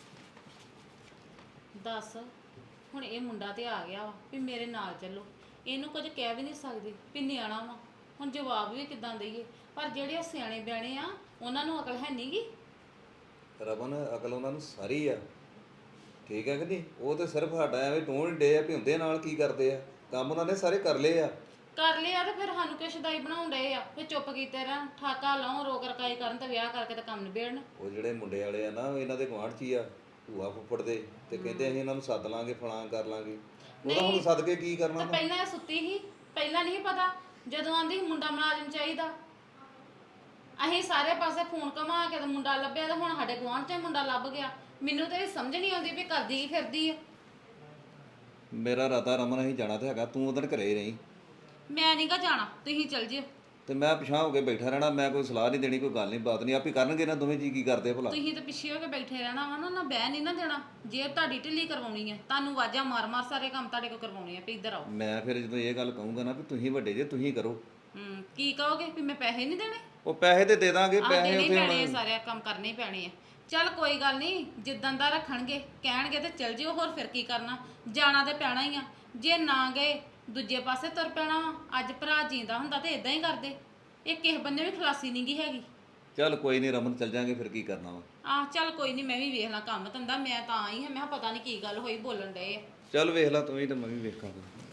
C: ਦੱਸ ਹੁਣ ਇਹ ਮੁੰਡਾ ਤੇ ਆ ਗਿਆ ਵਾ ਵੀ ਮੇਰੇ ਨਾਲ ਚੱਲੋ। ਇਹਨੂੰ ਕੁਝ ਕਹਿ ਵੀ ਨਹੀਂ ਸਕਦੀ ਵੀ ਨਿਆਣਾ ਵਾ, ਹੁਣ ਜਵਾਬ ਵੀ ਕਿੱਦਾਂ ਦਈਏ? ਪਰ ਜਿਹੜੇ ਸਿਆਣੇ ਬਿਆਣੇ ਆ ਉਹਨਾਂ ਨੂੰ ਅਕਲ ਹੈ ਨਹੀਂਗੀ।
E: ਰਮਨ ਅਕਲ ਉਹਨਾਂ ਨੂੰ ਸਾਰੀ ਆ, ਠੀਕ ਹੈ ਕਿ ਨਹੀਂ? ਉਹ ਤੇ ਸਿਰਫ ਸਾਡਾ ਐਵੇਂ ਟੋਣ ਡੇ ਆ ਵੀ ਹੁੰਦੇ ਨਾਲ ਕੀ ਕਰਦੇ ਆ, ਕੰਮ ਉਹਨਾਂ ਨੇ ਸਾਰੇ ਕਰ ਲਏ ਆ।
C: ਕਰ ਲਿਆ ਤੇ ਫਿਰ ਸਾਨੂੰ ਕਿਸ ਸ਼ਦਾਈ ਬਣਾਉਣ ਡਏ ਆ ਫਿਰ ਚੁੱਪ ਕੀਤੇ ਰਹਿਣ ਠਾਕਾ ਲਾਉਣ ਰੋਕ ਰਕਾਈ ਕਰਨ ਤੇ ਵਿਆਹ ਕਰਕੇ ਤੇ ਕੰਮ ਨਿਬੇੜਨ।
E: ਉਹ ਜਿਹੜੇ ਮੁੰਡੇ ਵਾਲੇ ਆ ਨਾ ਉਹ ਇਹਨਾਂ ਦੇ ਗੁਆਂਢ 'ਚ ਹੀ ਆ ਭੂਆ ਫੁੱਫੜ ਦੇ, ਤੇ ਕਹਿੰਦੇ ਅਸੀਂ ਇਹਨਾਂ ਨੂੰ ਸੱਦ ਲਾਂਗੇ ਫਲਾਂ ਕਰ ਲਾਂਗੇ। ਉਹਦਾ ਹੁਣ ਸੱਦ ਕੇ ਕੀ ਕਰਨਾ
C: ਤਾਂ
E: ਵਾ?
C: ਪਹਿਲਾਂ ਇਹ ਸੁੱਤੀ ਸੀ, ਪਹਿਲਾਂ ਨਹੀਂ ਪਤਾ ਜਦੋਂ ਆਂਦੀ ਸੀ ਮੁੰਡਾ ਮੁਲਾਜ਼ਮ ਚਾਹੀਦਾ, ਅਸੀਂ ਸਾਰੇ ਪਾਸੇ ਫੋਨ ਘੁਮਾ ਕੇ ਤੇ ਮੁੰਡਾ ਲੱਭਿਆ ਤੇ ਹੁਣ ਸਾਡੇ ਗੁਆਂਢ 'ਚ ਹੀ ਮੁੰਡਾ ਲੱਭ ਗਿਆ। ਮੈਨੂੰ ਤਾਂ ਇਹ ਸਮਝ ਨਹੀਂ ਆਉਂਦੀ ਵੀ ਕਰਦੀ ਕੀ ਫਿਰਦੀ ਆ।
E: ਮੇਰਾ ਇਰਾਦਾ ਰਮਨ ਅਸੀਂ ਜਾਣਾ ਤੇ ਹੈਗਾ, ਤੂੰ ਉਧਰ ਘਰੇ ਹੀ ਰਹੀਂ
C: ਮੈਂ ਨਹੀਂ ਗਾ ਜਾਣਾ, ਤੁਸੀਂ ਚੱਲ ਜਿਓ।
E: ਤੇ ਮੈਂ ਪਿਛਾਂ ਹੋ ਕੇ ਬੈਠਾ ਰਹਿਣਾ। ਮੈਂ ਕੋਈ ਸਲਾਹ ਨਹੀਂ ਦੇਣੀ, ਕੋਈ ਗੱਲ ਨਹੀਂ ਬਾਤ ਨਹੀਂ, ਆਪੇ ਕਰਨਗੇ ਨਾ ਦੋਵੇਂ ਜੀ। ਕੀ ਕਰਦੇ ਭਲਾ?
C: ਤੁਸੀਂ ਤਾਂ ਪਿੱਛੇ ਹੋ ਕੇ ਬੈਠੇ ਰਹਿਣਾ ਵਾ ਨਾ ਬਹਿ ਨਹੀਂ ਨਾ ਦੇਣਾ। ਜੇ ਤੁਹਾਡੀ ਢਿੱਲੀ ਕਰਵਾਉਣੀ ਹੈ ਤੁਹਾਨੂੰ ਆਵਾਜ਼ਾਂ ਮਾਰ ਮਾਰ ਸਾਰੇ ਕੰਮ ਤੁਹਾਡੇ ਕੋਲ ਕਰਵਾਉਣੇ ਆ ਵੀ ਇੱਧਰ ਆਓ।
E: ਮੈਂ ਫਿਰ ਜਦੋਂ ਇਹ ਗੱਲ ਕਹੂੰਗਾ ਨਾ ਵੀ ਤੁਸੀਂ ਵੱਡੇ ਜੇ ਤੁਸੀਂ ਕਰੋ,
C: ਕੀ ਕਹੋਗੇ ਵੀ ਮੈਂ ਪੈਸੇ ਨਹੀਂ ਦੇਣੇ?
E: ਉਹ ਪੈਸੇ ਤੇ ਦੇ ਦਾਂਗੇ। ਪੈਸੇ
C: ਦੇਣੇ ਹੀ
E: ਉੱਥੇ
C: ਪੈਣੇ ਆ, ਸਾਰੇ ਕੰਮ ਕਰਨੇ ਹੀ ਪੈਣੇ ਆ। ਚੱਲ ਕੋਈ ਗੱਲ ਨਹੀਂ, ਜਿੱਦਾਂ ਦਾ ਰੱਖਣਗੇ ਕਹਿਣਗੇ ਤੇ ਚੱਲ ਜਿਓ, ਹੋਰ ਫਿਰ ਕੀ ਕਰਨਾ, ਜਾਣਾ ਤੇ ਪੈਣਾ ਹੀ ਆ। ਜੇ ਨਾ ਗਏ ਦੂਜੇ ਪਾਸੇ ਤੁਰ ਪੈਣਾ ਵਾ। ਅੱਜ ਭਰਾ ਜੀਂਦਾ ਹੁੰਦਾ ਤੇ ਇਦਾਂ ਹੀ ਕਰਦੇ। ਇਹ ਕਿਸੇ ਬੰਨੇ ਵੀ ਖਲਾਸੀ ਨਹੀਂ ਗਈ ਹੈਗੀ।
E: ਚੱਲ ਕੋਈ ਨਹੀਂ ਰਮਨ, ਚੱਲ ਜਾਾਂਗੇ ਫਿਰ ਕੀ ਕਰਨਾ ਵਾ।
C: ਚੱਲ ਕੋਈ ਨਹੀਂ, ਮੈਂ ਵੀ ਵੇਖ ਲਾਂ ਕੰਮ ਧੰਦਾ। ਮੈਂ ਤਾਂ ਆਈ ਹਾਂ, ਮੈਂ ਕਿਹਾ ਪਤਾ ਨਹੀਂ ਕੀ ਗੱਲ ਹੋਈ ਬੋਲਣ ਡਏ ਆ।
E: ਚੱਲ ਵੇਖ ਲੈ ਤੂੰ ਵੀ ਤੇ ਮੈਂ ਵੀ ਵੇਖਾਂਗਾ।